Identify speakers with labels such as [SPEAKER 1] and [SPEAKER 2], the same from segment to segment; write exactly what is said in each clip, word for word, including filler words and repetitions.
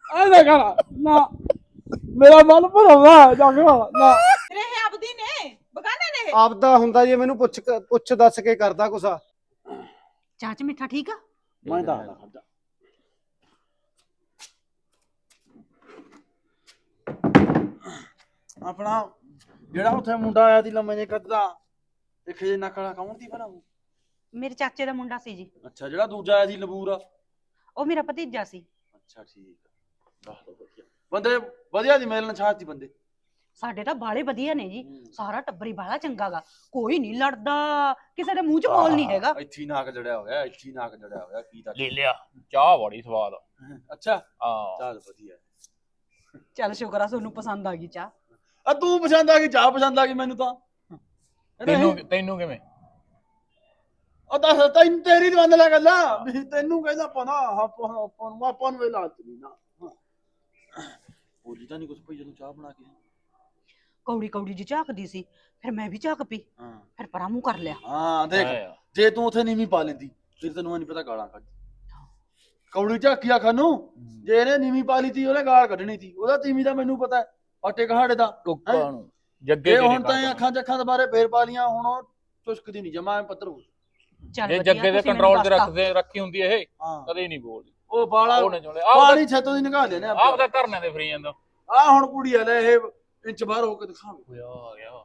[SPEAKER 1] ਐ ਕਰ ਨਾ ਮੇਰਾ ਮਨ ਭਰਦਾ ਜਗਵਾ ਨਾ
[SPEAKER 2] ਤੇਰੇ ਇਹ ਆਪਦੀ ਨੇ ਬਗਾਨੇ ਨੇ।
[SPEAKER 3] ਆਪਦਾ ਹੁੰਦਾ ਜੇ ਮੈਨੂੰ ਪੁੱਛ ਪੁੱਛ ਦੱਸ ਕੇ ਕਰਦਾ ਕੁਛ।
[SPEAKER 2] ਚਾਚ ਮਿੱਠਾ ਠੀਕ ਆ?
[SPEAKER 1] ਮੈਂ ਦੱਸਦਾ ਖੜਦਾ ਆਪਣਾ ਜਿਹੜਾ ਉੱਥੇ ਮੁੰਡਾ ਆਇਆ ਸੀ ਲੰਮੇ ਜੇ ਕੱਦਾ ਦੇਖੇ ਜੇ ਨੱਕ ਵਾਲਾ ਕੌਣ ਦੀ ਬਣਾਉ?
[SPEAKER 2] ਮੇਰੇ ਚਾਚੇ ਦਾ ਮੁੰਡਾ ਸੀ ਜੀ।
[SPEAKER 1] ਅੱਛਾ ਜਿਹੜਾ ਦੂਜਾ ਆਇਆ ਸੀ ਲਬੂਰ
[SPEAKER 2] ਉਹ ਮੇਰਾ ਭਤੀਜਾ ਸੀ।
[SPEAKER 1] ਅੱਛਾ ਠੀਕ ਆ। ਦੱਸ ਦੋ ਵਧੀਆ ਬੰਦੇ ਵਧੀਆ ਦੀ ਮੇਲ ਨਛਾਤ ਸੀ ਬੰਦੇ।
[SPEAKER 2] ਸਾਡੇ ਤਾਂ ਬਾਲੇ ਵਧੀਆ ਨੇ ਜੀ। ਸਾਰਾ ਟੱਬਰੀ ਬਾਲਾ ਚੰਗਾਗਾ। ਕੋਈ ਨਹੀਂ ਲੜਦਾ, ਕਿਸੇ ਦੇ ਮੂੰਹ 'ਚ ਬੋਲ ਨਹੀਂ ਹੈਗਾ।
[SPEAKER 1] ਇੱਥੇ ਨਾਕ ਜੜਿਆ ਹੋਇਆ ਇੱਥੇ ਨਾਕ ਜੜਿਆ ਹੋਇਆ ਕੀ ਤਾਂ
[SPEAKER 4] ਲੈ ਲਿਆ ਚਾਹ ਬੜੀ ਸਵਾਦ।
[SPEAKER 1] ਅੱਛਾ
[SPEAKER 4] ਹਾਂ
[SPEAKER 1] ਚੱਲ ਵਧੀਆ।
[SPEAKER 2] ਚੱਲ ਸ਼ੁਕਰ ਆ ਤੁਹਾਨੂੰ ਪਸੰਦ ਆ ਗਈ ਚਾਹ।
[SPEAKER 1] ਆ ਤੂੰ ਪਸੰਦ ਆ ਗਈ ਚਾਹ ਪਸੰਦ ਆ ਗਈ ਮੈਨੂੰ ਤਾਂ।
[SPEAKER 4] ਤੈਨੂੰ ਤੈਨੂੰ ਕਿਵੇਂ?
[SPEAKER 1] ਉਹ ਦੱਸ ਤੈਨੂੰ ਤੇਰੀ ਦਵੰਦ ਲੈ ਗੱਲਾਂ ਵੀ ਤੈਨੂੰ ਕਹਿੰਦਾ ਪਨਾ ਆਪਾਂ ਆਪਾਂ ਨੂੰ ਆਪਾਂ ਨੂੰ ਇਹ ਲਾਲਚ ਨਹੀਂ ਨਾ। ਬੋਲੀ ਤਾਂ ਨਹੀਂ ਕੁਛ ਭਈ ਜਦੋਂ ਚਾਹ ਬਣਾ ਕੇ।
[SPEAKER 2] ਕੌੜੀ ਕੌੜੀ ਜੀ ਝਾਕਦੀ ਸੀ, ਫਿਰ ਮੈਂ ਵੀ ਝਾਕ ਪਈ,
[SPEAKER 1] ਹਾਂ
[SPEAKER 2] ਫਿਰ ਪਰਾਂ ਮੂੰਹ ਕਰ ਲਿਆ।
[SPEAKER 1] ਹਾਂ ਦੇਖ ਜੇ ਤੂੰ ਉੱਥੇ ਨੀਵੀਂ ਪਾ ਲੈਂਦੀ ਫਿਰ ਤੈਨੂੰ ਨਹੀਂ ਪਤਾ ਗਾਲਾਂ ਕੱਢ ਕੌੜੀ ਝਾਕੀਆ ਖਾਨੂੰ। ਜੇ ਇਹਨੇ ਨੀਵੀਂ ਪਾ ਲਈ ਤੀ ਉਹਨੇ ਗਾਲ ਕੱਢਣੀ ਤੀ। ਉਹਦਾ ਤੀਵੀਂ ਦਾ ਮੈਨੂੰ ਪਤਾ ਆਟੇ ਕਹਾੜੇ ਦਾ
[SPEAKER 4] ਕੁੱਕਾਂ ਨੂੰ ਜੱਗੇ
[SPEAKER 1] ਜੇ ਹੁਣ ਤਾਂ ਅੱਖਾਂ ਚ ਅੱਖਾਂ ਦੁਬਾਰੇ ਫੇਰ ਪਾ ਲੀਆਂ ਹੁਣ ਉਹ ਚੁਸਕਦੀ ਨਹੀਂ ਜਮਾ ਪੱਤਰ ਹੋ।
[SPEAKER 2] ਚੱਲ
[SPEAKER 4] ਜੇ
[SPEAKER 2] ਵਧੀਆ,
[SPEAKER 4] ਜੱਗੇ ਦੇ
[SPEAKER 2] ਤੁਸੀਂ
[SPEAKER 4] ਕੰਟਰੋਲ
[SPEAKER 2] ਮੈਨੂੰ
[SPEAKER 4] 'ਚ
[SPEAKER 2] ਦੱਸਤਾ।
[SPEAKER 4] ਰੱਖਦੇ ਰੱਖੀ ਹੁੰਦੀ ਇਹ
[SPEAKER 1] ਹਾਂ
[SPEAKER 4] ਕਦੇ ਨਹੀਂ ਬੋਲਦੀ।
[SPEAKER 1] ਉਹ ਬਾਲਾ
[SPEAKER 4] ਉਹਨੇ ਚੋਲੇ ਆਪ
[SPEAKER 1] ਪਾਣੀ ਛੇਤੋਂ ਦੀ ਨਿਕਾਲ ਲੈਨੇ
[SPEAKER 4] ਆਪ ਦਾ ਧਰਨੇ ਤੇ ਫਰੀ ਜਾਂਦਾ।
[SPEAKER 1] ਆ ਹੁਣ ਕੁੜੀ ਆ ਲੈ ਇਹ ਇੰਚ ਬਾਹਰ ਹੋ ਕੇ ਦਿਖਾਵੇ।
[SPEAKER 4] ਹੋਇਆ ਆ ਗਿਆ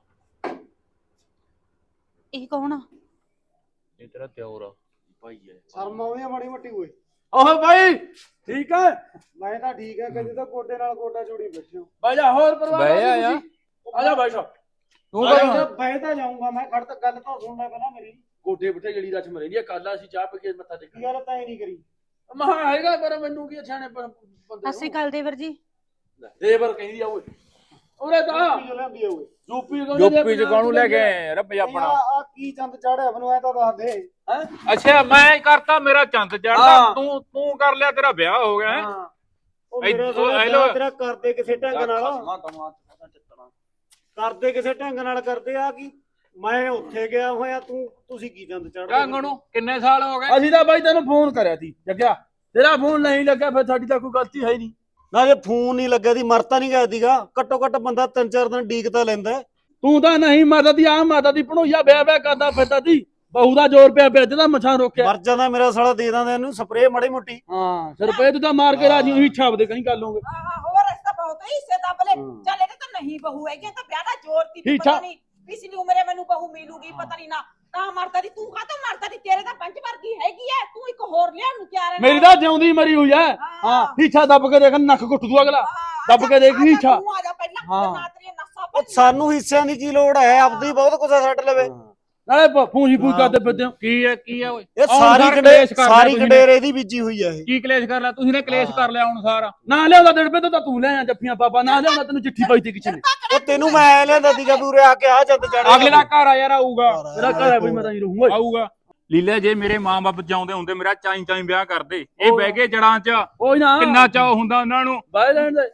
[SPEAKER 2] ਇਹ ਕੌਣ ਆ?
[SPEAKER 4] ਇਹ ਤੇਰਾ ਤਿਉਰ ਆ
[SPEAKER 1] ਭਾਈ ਹੈ
[SPEAKER 3] ਸ਼ਰਮ ਆਉਂਦੀ ਆ ਮਾੜੀ ਮੋਟੀ ਓਏ।
[SPEAKER 1] ਓਹ ਭਾਈ ਠੀਕ ਹੈ
[SPEAKER 3] ਮੈਂ ਤਾਂ ਠੀਕ ਹੈ ਕਦੇ ਤਾਂ ਗੋਡੇ ਨਾਲ ਗੋਡਾ ਜੋੜੀ ਬੈਠੇ ਹੋ।
[SPEAKER 1] ਬਾਈ ਜਾ ਹੋਰ ਪਰਵਾਹ
[SPEAKER 4] ਬਹਿ ਜਾ ਯਾਰ।
[SPEAKER 1] ਆ ਜਾ ਬਾਈ ਸਾਹਿਬ
[SPEAKER 4] ਤੂੰ
[SPEAKER 1] ਆ ਜਾ,
[SPEAKER 4] ਕਰ
[SPEAKER 3] ਬਹਿ ਤਾਂ ਜਾਊਂਗਾ ਮੈਂ। ਖੜ ਤਾਂ ਗੱਲ ਤਾਂ ਸੁਣ ਲੈ ਪਹਿਲਾਂ ਮੇਰੀ।
[SPEAKER 1] ਗੋਡੇ ਬਿਠੇ ਜਿਹੜੀ ਰਸਮ ਰਹਿੰਦੀ ਹੈ ਕੱਲ ਅਸੀਂ ਚਾਹ ਪੀ ਕੇ ਮੱਥਾ
[SPEAKER 3] ਕੀ
[SPEAKER 1] ਟੇਕਿਆ
[SPEAKER 3] ਗੱਲ ਤਾਂ ਇਹ ਨਹੀਂ ਕਰੀ।
[SPEAKER 1] ਮਹਾ ਹੈਗਾ ਪਰ ਮੈਨੂੰ ਕੀ ਛਾਣੇ ਬੰਦੇ
[SPEAKER 2] ਅਸੀਂ ਕੱਲ ਦੇਵਰ ਜੀ।
[SPEAKER 1] ਦੇਵਰ ਕਹਿੰਦੀ ਆ ਓਏ ਉਹਨੇ ਤਾਂ
[SPEAKER 3] ਕੀ ਲੈਂਦੀ ਆ ਓਏ।
[SPEAKER 1] ਯੂਪੀ
[SPEAKER 4] ਯੂਪੀ ਚ ਕਾਹਨੂੰ ਲੈ ਕੇ ਆਏ ਰੱਬ ਆਪਣਾ?
[SPEAKER 3] ਆ ਕੀ ਚੰਦ ਚਾੜਿਆ ਮੈਨੂੰ ਐ ਤਾਂ ਦੱਸ ਦੇ।
[SPEAKER 1] ਹੈ
[SPEAKER 4] ਅੱਛਾ ਮੈਂ ਕਰਤਾ ਮੇਰਾ ਚੰਦ ਚੜਦਾ
[SPEAKER 1] ਹਾਂ।
[SPEAKER 4] ਤੂੰ ਤੂੰ ਕਰ ਲਿਆ ਤੇਰਾ ਵਿਆਹ ਹੋ ਗਿਆ ਹੈਂ?
[SPEAKER 3] ਹਾਂ ਉਹ
[SPEAKER 4] ਇੱਥੇ-
[SPEAKER 3] ਮੇਰਾ
[SPEAKER 4] ਉਹ
[SPEAKER 3] ਸਾਲਾ
[SPEAKER 4] ਹੈਲੋ।
[SPEAKER 3] ਵਿਆਹ ਤੇਰਾ ਕਰਦੇ ਕਿਸੇ ਢੰਗ ਨਾਲ।
[SPEAKER 1] ਖਸਮਾ ਤਮਾ ਚੱਤਣਾ
[SPEAKER 3] ਕਰਦੇ ਕਿਸੇ ਢੰਗ ਨਾਲ ਕਰਦੇ ਆ ਕੀ। ਮੈਂ ਉੱਥੇ ਗਿਆ ਹੋਇਆ ਤੂੰ ਤੁਸੀਂ ਕੀ ਚੰਦ ਚਾੜਦੇ।
[SPEAKER 4] ਢੰਗ ਨੂੰ ਕਿੰਨੇ ਸਾਲ ਹੋ ਗਏ?
[SPEAKER 1] ਅਸੀਂ ਤਾਂ ਬਾਈ ਤੈਨੂੰ ਫੋਨ ਕਰਿਆ ਸੀ ਜੱਗਿਆ ਤੇਰਾ ਫੋਨ ਨਹੀਂ ਲੱਗਿਆ ਫਿਰ ਸਾਡੀ ਤਾਂ ਕੋਈ ਗਲਤੀ ਹੈ ਹੀ ਨਹੀਂ।
[SPEAKER 3] ਨਾ ਜੇ ਫੋਨ ਨਹੀਂ ਲੱਗਿਆ ਦੀ ਮਰਤਾ ਨਹੀਂ ਗਿਆ ਸੀਗਾ। ਘੱਟੋ ਘੱਟ ਬੰਦਾ ਤਿੰਨ ਚਾਰ ਦਿਨ ਡੀਕ ਤਾਂ ਲੈਂਦਾ।
[SPEAKER 1] ਤੂੰ ਤਾਂ ਨਹੀਂ ਮਾਤਾ ਦੀ ਆ ਮਾਤਾ ਦੀ ਭਣੋਈਆ ਵਿਆਹ ਵਿਆਹ ਕਰਦਾ ਫਿਰਦਾ ਸੀ। ਬਹੂ ਦਾ ਜ਼ੋਰ ਪਿਆ ਪਿਆ ਜਿਹਦਾ ਮਛਾਂ ਰੋਕਿਆ।
[SPEAKER 3] ਮਰ ਜਾਂਦਾ ਮੇਰਾ ਸਾਲਾ ਦੇ ਦਾਂ ਇਹਨੂੰ ਸਪਰੇਅ ਮਾੜੀ ਮੋਟੀ।
[SPEAKER 1] ਹਾਂ ਰੁਪਏ ਤੂੰ ਤਾਂ ਮਾਰ ਕੇ ਰਾਜੀ ਉਹੀ ਛਾਪ ਦੇ ਕਹੀਂ ਕਰ ਲਓਗੇ।
[SPEAKER 2] ਆਹ ਹੋਰ ਇਸ ਤਾਂ ਬਹੁਤ ਹਿੱਸੇ ਦੱਬਲੇ। ਚੱਲ ਇਹਦੇ ਤਾਂ ਨਹੀਂ ਬਹੂ ਹੈਗੀ ਤਾਂ ਵਿਆਹ ਦਾ ਜ਼ੋਰ ਤੀ
[SPEAKER 1] ਠੀਕ
[SPEAKER 2] ਪਤਾ
[SPEAKER 1] ਠਾਕ।
[SPEAKER 2] ਨਹੀਂ ਪਿਛਲੀ ਉਮਰੇ ਮੈਨੂੰ ਬਹੂ ਮਿਲੂਗੀ ਪਤਾ ਨਹੀਂ ਨਾ ਤਾਂ ਮਰਦਾ ਦੀ ਤੂੰ ਕਾਹਤੋਂ ਮਰਦਾ ਦੀ ਤੇਰੇ ਤਾਂ ਪੰਜ ਵਰਗੀ ਹੈਗੀ ਐ ਤੂੰ ਇੱਕ ਹੋਰ ਲਿਆਉਣ ਨੂੰ ਤਿਆਰ ਹੈ।
[SPEAKER 1] ਮੇਰੀ ਤਾਂ ਜਿਉਂਦੀ ਮਰੀ ਹੋਈ ਐ। ਹਾਂ ਹੀਛਾ ਦੱਬ ਕੇ ਦੇਖ ਨੱਕ ਘੁੱਟ ਦੂ ਅਗਲਾ। ਦੱਬ ਕੇ ਦੇਖ ਹੀਛਾ।
[SPEAKER 2] ਤੂੰ ਆ ਜਾ ਪਹਿਲਾਂ
[SPEAKER 1] ਹਾਂ।
[SPEAKER 2] ਨਾ ਤੇਰੀਆਂ ਨਸਾਂ
[SPEAKER 3] ਉਹ ਸਾਨੂੰ ਹਿੱਸਿਆਂ ਦੀ ਕੀ ਲੋੜ ਹੈ। ਆਪਦੀ ਬਹੁਤ ਕੁਝ ਛੱਡ ਲਵੇ।
[SPEAKER 1] ਨਾਲੇ ਪੂੰਜੀ ਪੂਜ ਕਰਦੇ ਫਿਰਦੇ ਹੋ।
[SPEAKER 4] ਕੀ ਹੈ ਕੀ ਹੈ ਓਏ?
[SPEAKER 3] ਇਹ
[SPEAKER 4] ਹੁਣ
[SPEAKER 3] ਸਾਰੀ
[SPEAKER 4] ਸਾਰਾ
[SPEAKER 3] ਕਡੇ
[SPEAKER 4] ਕਲੇਸ਼ ਕਰ ਲਿਆ
[SPEAKER 3] ਸਾਰੀ
[SPEAKER 4] ਤੁਸੀਂ ਨੇ।
[SPEAKER 3] ਕਡੇਰ ਇਹਦੀ ਬੀਜੀ ਹੋਈ ਆ ਇਹ।
[SPEAKER 4] ਕੀ ਕਲੇਸ਼ ਕਰ ਲਿਆ ਤੁਸੀਂ ਨੇ? ਕਲੇਸ਼ ਕਰ ਲਿਆ ਹੁਣ ਸਾਰਾ।
[SPEAKER 1] ਨਾ ਲਿਆਉਂਦਾ ਡੜਬੇ ਤੋਂ ਤਾਂ ਤੂੰ ਲੈ ਆ ਜੱਫੀਆਂ ਬਾਬਾ ਨਾ ਲਿਆਉਂਦਾ ਤੈਨੂੰ ਚਿੱਠੀ ਪਾਈ ਤੀ ਕਿਸੇ ਨੇ।
[SPEAKER 3] ਉਹ ਤੈਨੂੰ ਮੈਂ ਐ ਲੈਂਦਾ ਸੀਗਾ ਵੀ ਉਰੇ ਆ ਕੇ ਆ ਚੰਦ ਚਾੜਿਆ।
[SPEAKER 4] ਅਗਲੇ ਦਾ ਘਰ ਆ ਯਾਰ ਆਊਗਾ।
[SPEAKER 1] ਮੇਰਾ ਘਰ ਹੈ ਬਈ ਮੈਂ ਤਾਂ ਨਹੀਂ ਰਹੂੰਗਾ।
[SPEAKER 4] ਆਊਗਾ ਲੀਲਾ ਜੇ ਮੇਰੇ ਮਾਂ-ਬਾਪ ਚਾਹੁੰਦੇ ਹੁੰਦੇ ਮੇਰਾ ਚਾਈ ਚਾਈ ਵਿਆਹ ਕਰਦੇ। ਇਹ ਬਹਿ ਗਏ ਜੜਾਂ 'ਚ।
[SPEAKER 1] ਕੋਈ ਨਾ
[SPEAKER 4] ਕਿੰਨਾ ਚਾਅ ਹੁੰਦਾ ਉਹਨਾਂ ਨੂੰ।
[SPEAKER 1] ਬਾਈ ਲੈਣ ਦੇ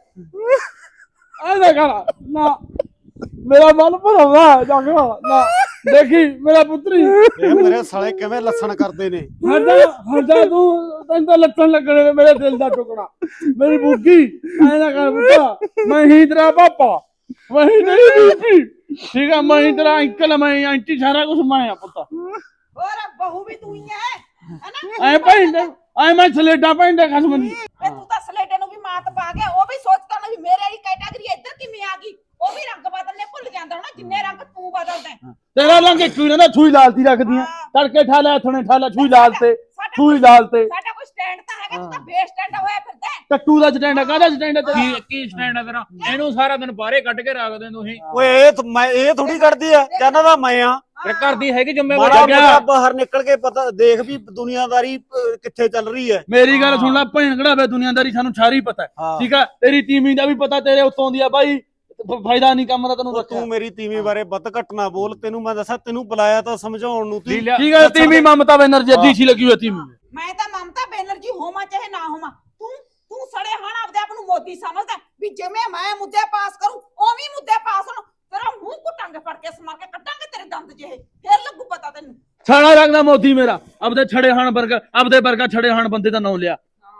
[SPEAKER 1] ਆ ਦੇ ਕਰ ਨਾ ਮੇਰਾ ਮਨ ਭਰਦਾ ਜਗਵਾ ਨਾ ਦੇਖੀ ਮੇਰਾ ਪੁੱਤਰੀ
[SPEAKER 3] ਇਹ ਮੇਰੇ ਸਾਲੇ ਕਿਵੇਂ ਲੱਸਣ ਕਰਦੇ ਨੇ।
[SPEAKER 1] ਹਰਦਾ ਹਰਦਾ ਤੂੰ ਤੈਨੂੰ ਤਾਂ ਲੱਤਾਂ ਲੱਗਣੇ ਨੇ ਮੇਰੇ ਦਿਲ ਦਾ ਟੁਕੜਾ ਮੇਰੀ ਬੁੱਗੀ ਐ ਨਾ ਕਰ ਪੁੱਤਾ ਮੈਂ ਹੀ ਤੇਰਾ ਪਾਪਾ ਮੈਂ ਹੀ ਤੇਰੀ ਬੀਬੀ ਠੀਕ ਆ। ਮੈਂ ਹੀ ਤੇਰਾ ਅੰਕਲ ਮੈਂ ਆਂਟੀ ਸਾਰਾ ਕੁਝ ਮੈਂ ਆ ਪੁੱਤਾ।
[SPEAKER 2] ਹੋਰ ਬਹੂ ਵੀ ਤੂੰ ਹੀ ਐ ਹੈਨਾ।
[SPEAKER 1] ਐ ਭੈਂਦੇ ਐ ਮੈਂ ਸਲੇਡਾ ਭੈਂਦੇ ਖਸਮ ਦੀ।
[SPEAKER 2] ਵੇ ਤੂੰ ਤਾਂ ਸਲੇਟੇ ਨੂੰ ਵੀ ਮਾਤ ਪਾ ਗਿਆ। ਉਹ ਵੀ ਸੋਚਦਾ ਨਾ ਵੀ ਮੇਰੇ ਵਾਲੀ ਕੈਟਾਗਰੀ ਇੱਧਰ ਕਿਵੇਂ ਆ ਗਈ। ਉਹ ਵੀ ਰੰਗ ਬਦਲਨੇ ਭੁੱਲ ਜਾਂਦਾ ਹੋਣਾ ਜਿੰਨੇ ਰੰਗ ਤੂੰ ਬਦਲਦਾ।
[SPEAKER 1] ਤੇਰਾ ਰੰਗ ਇੱਕ ਨਾ ਛੂਈ ਲਾਲਤੀ ਰੱਖਦੀਆਂ ਤੜਕੇ ਠਾ ਲੈ ਥਣੇ ਠਾ ਲੈ ਛੂਈ ਲਾਲ ਤੇ ਛੂਈ ਲਾਲ ਤੇ।
[SPEAKER 2] ਸਾਡਾ ਕੋਈ ਸਟੈਂਡ ਤਾਂ ਹੈਗਾ ਤੂੰ ਤਾਂ ਬੇਸ ਸਟੈਂਡ ਹੋਇਆ ਫਿਰਦਾ।
[SPEAKER 1] ਟੱਟੂ ਦਾ ਸਟੈਂਡ ਕਾਹਦਾ ਸਟੈਂਡ ਤੇਰਾ?
[SPEAKER 4] ਕੀ ਕੀ ਸਟੈਂਡ ਆ ਤੇਰਾ? ਇਹਨੂੰ ਸਾਰਾ ਦਿਨ ਬਾਹਰੇ ਕੱਢ ਕੇ ਰੱਖਦੇ ਤੁਸੀਂ।
[SPEAKER 3] ਓਏ ਇਹ ਤਾਂ ਮੈਂ ਇਹ ਥੋੜੀ ਕਰਦੀ ਆ ਕਹਿੰਦਾ ਤਾਂ ਮੈਂ ਆ।
[SPEAKER 4] ਤੇ ਘਰ ਦੀ ਹੈਗੀ
[SPEAKER 3] ਮਾੜਾ
[SPEAKER 4] ਜ਼ਿੰਮੇਵਾਰੀ।
[SPEAKER 3] ਮੋਟਾ ਬਾਹਰ ਨਿਕਲ ਕੇ ਪਤਾ ਦੇਖ ਵੀ ਦੁਨੀਆਦਾਰੀ ਅਹ, ਕਿੱਥੇ ਚੱਲ ਰਹੀ ਹੈ।
[SPEAKER 1] ਮੇਰੀ ਗੱਲ ਸੁਣ ਲੈ ਭੈਣ ਕਢਾਵੇ ਦੁਨੀਆਦਾਰੀ ਸਾਨੂੰ ਸਾਰੀ ਪਤਾ ਹੈ ਠੀਕ ਆ। ਤੇਰੀ ਤੀਵੀਂ ਦਾ ਵੀ ਪਤਾ ਤੇਰੇ ਉੱਤੋਂ ਦੀ ਆ ਬਾਈ। ਫਾਇਦਾ ਨਹੀਂ ਕੰਮ ਦਾ ਤੈਨੂੰ
[SPEAKER 3] ਉਹ
[SPEAKER 1] ਰੱਖਿਆ।
[SPEAKER 3] ਤੂੰ ਮੇਰੀ ਤੀਵੀਂ ਬਾਰੇ ਵੱਧ ਘੱਟ ਨਾ ਬੋਲ। ਤੈਨੂੰ ਮੈਂ ਦੱਸਾਂ ਤੈਨੂੰ ਬੁਲਾਇਆ ਤਾਂ ਸਮਝਾਉਣ ਨੂੰ ਤੀ।
[SPEAKER 4] ਲੀਲਾ
[SPEAKER 1] ਠੀਕ ਹੈ ਤੀਵੀਂ ਮਮਤਾ ਬੈਨਰਜੀ ਅੱਧੀ ਸੀ ਲੱਗੀ ਹੋਈ ਤੀਵੀਂ।
[SPEAKER 2] ਮੈਂ ਤਾਂ ਮਮਤਾ ਬੈਨਰਜੀ ਹੋਵਾਂ ਚਾਹੇ ਨਾ ਹੋਵਾਂ। ਤੂੰ ਤੂੰ ਸੜੇ ਹਣ ਆਪਦੇ ਆਪ ਨੂੰ ਮੋਦੀ ਸਮਝਦਾ ਵੀ ਜਿਵੇਂ ਮੈਂ ਮੁੱਦੇ ਪਾਸ ਕਰੂੰ ਉਵੇਂ ਮੁੱਦੇ ਪਾਸ ਹੋਣ। ਤੇਰਾ ਮੂੰਹ ਕੁੱਟਾਂਗੇ ਫੜ ਕੇ ਸਮਾਰ ਕੇ ਕੱਢਾਂਗੇ ਤੇਰੇ ਦੰਦ ਜਿਹੇ ਫੇਰ ਲੱਗੂ ਪਤਾ ਤੈਨੂੰ।
[SPEAKER 1] ਸਾਰਾ ਰੰਗਦਾ ਮੋਦੀ ਮੇਰਾ ਆਪਦੇ ਛੜੇ ਹਾਣ ਵਰਗਾ ਆਪਦੇ ਵਰਗਾ ਛੜੇ ਹਾਣ ਬੰਦੇ ਦਾ ਨਾਮ ਲਿਆ। ਹਾਂ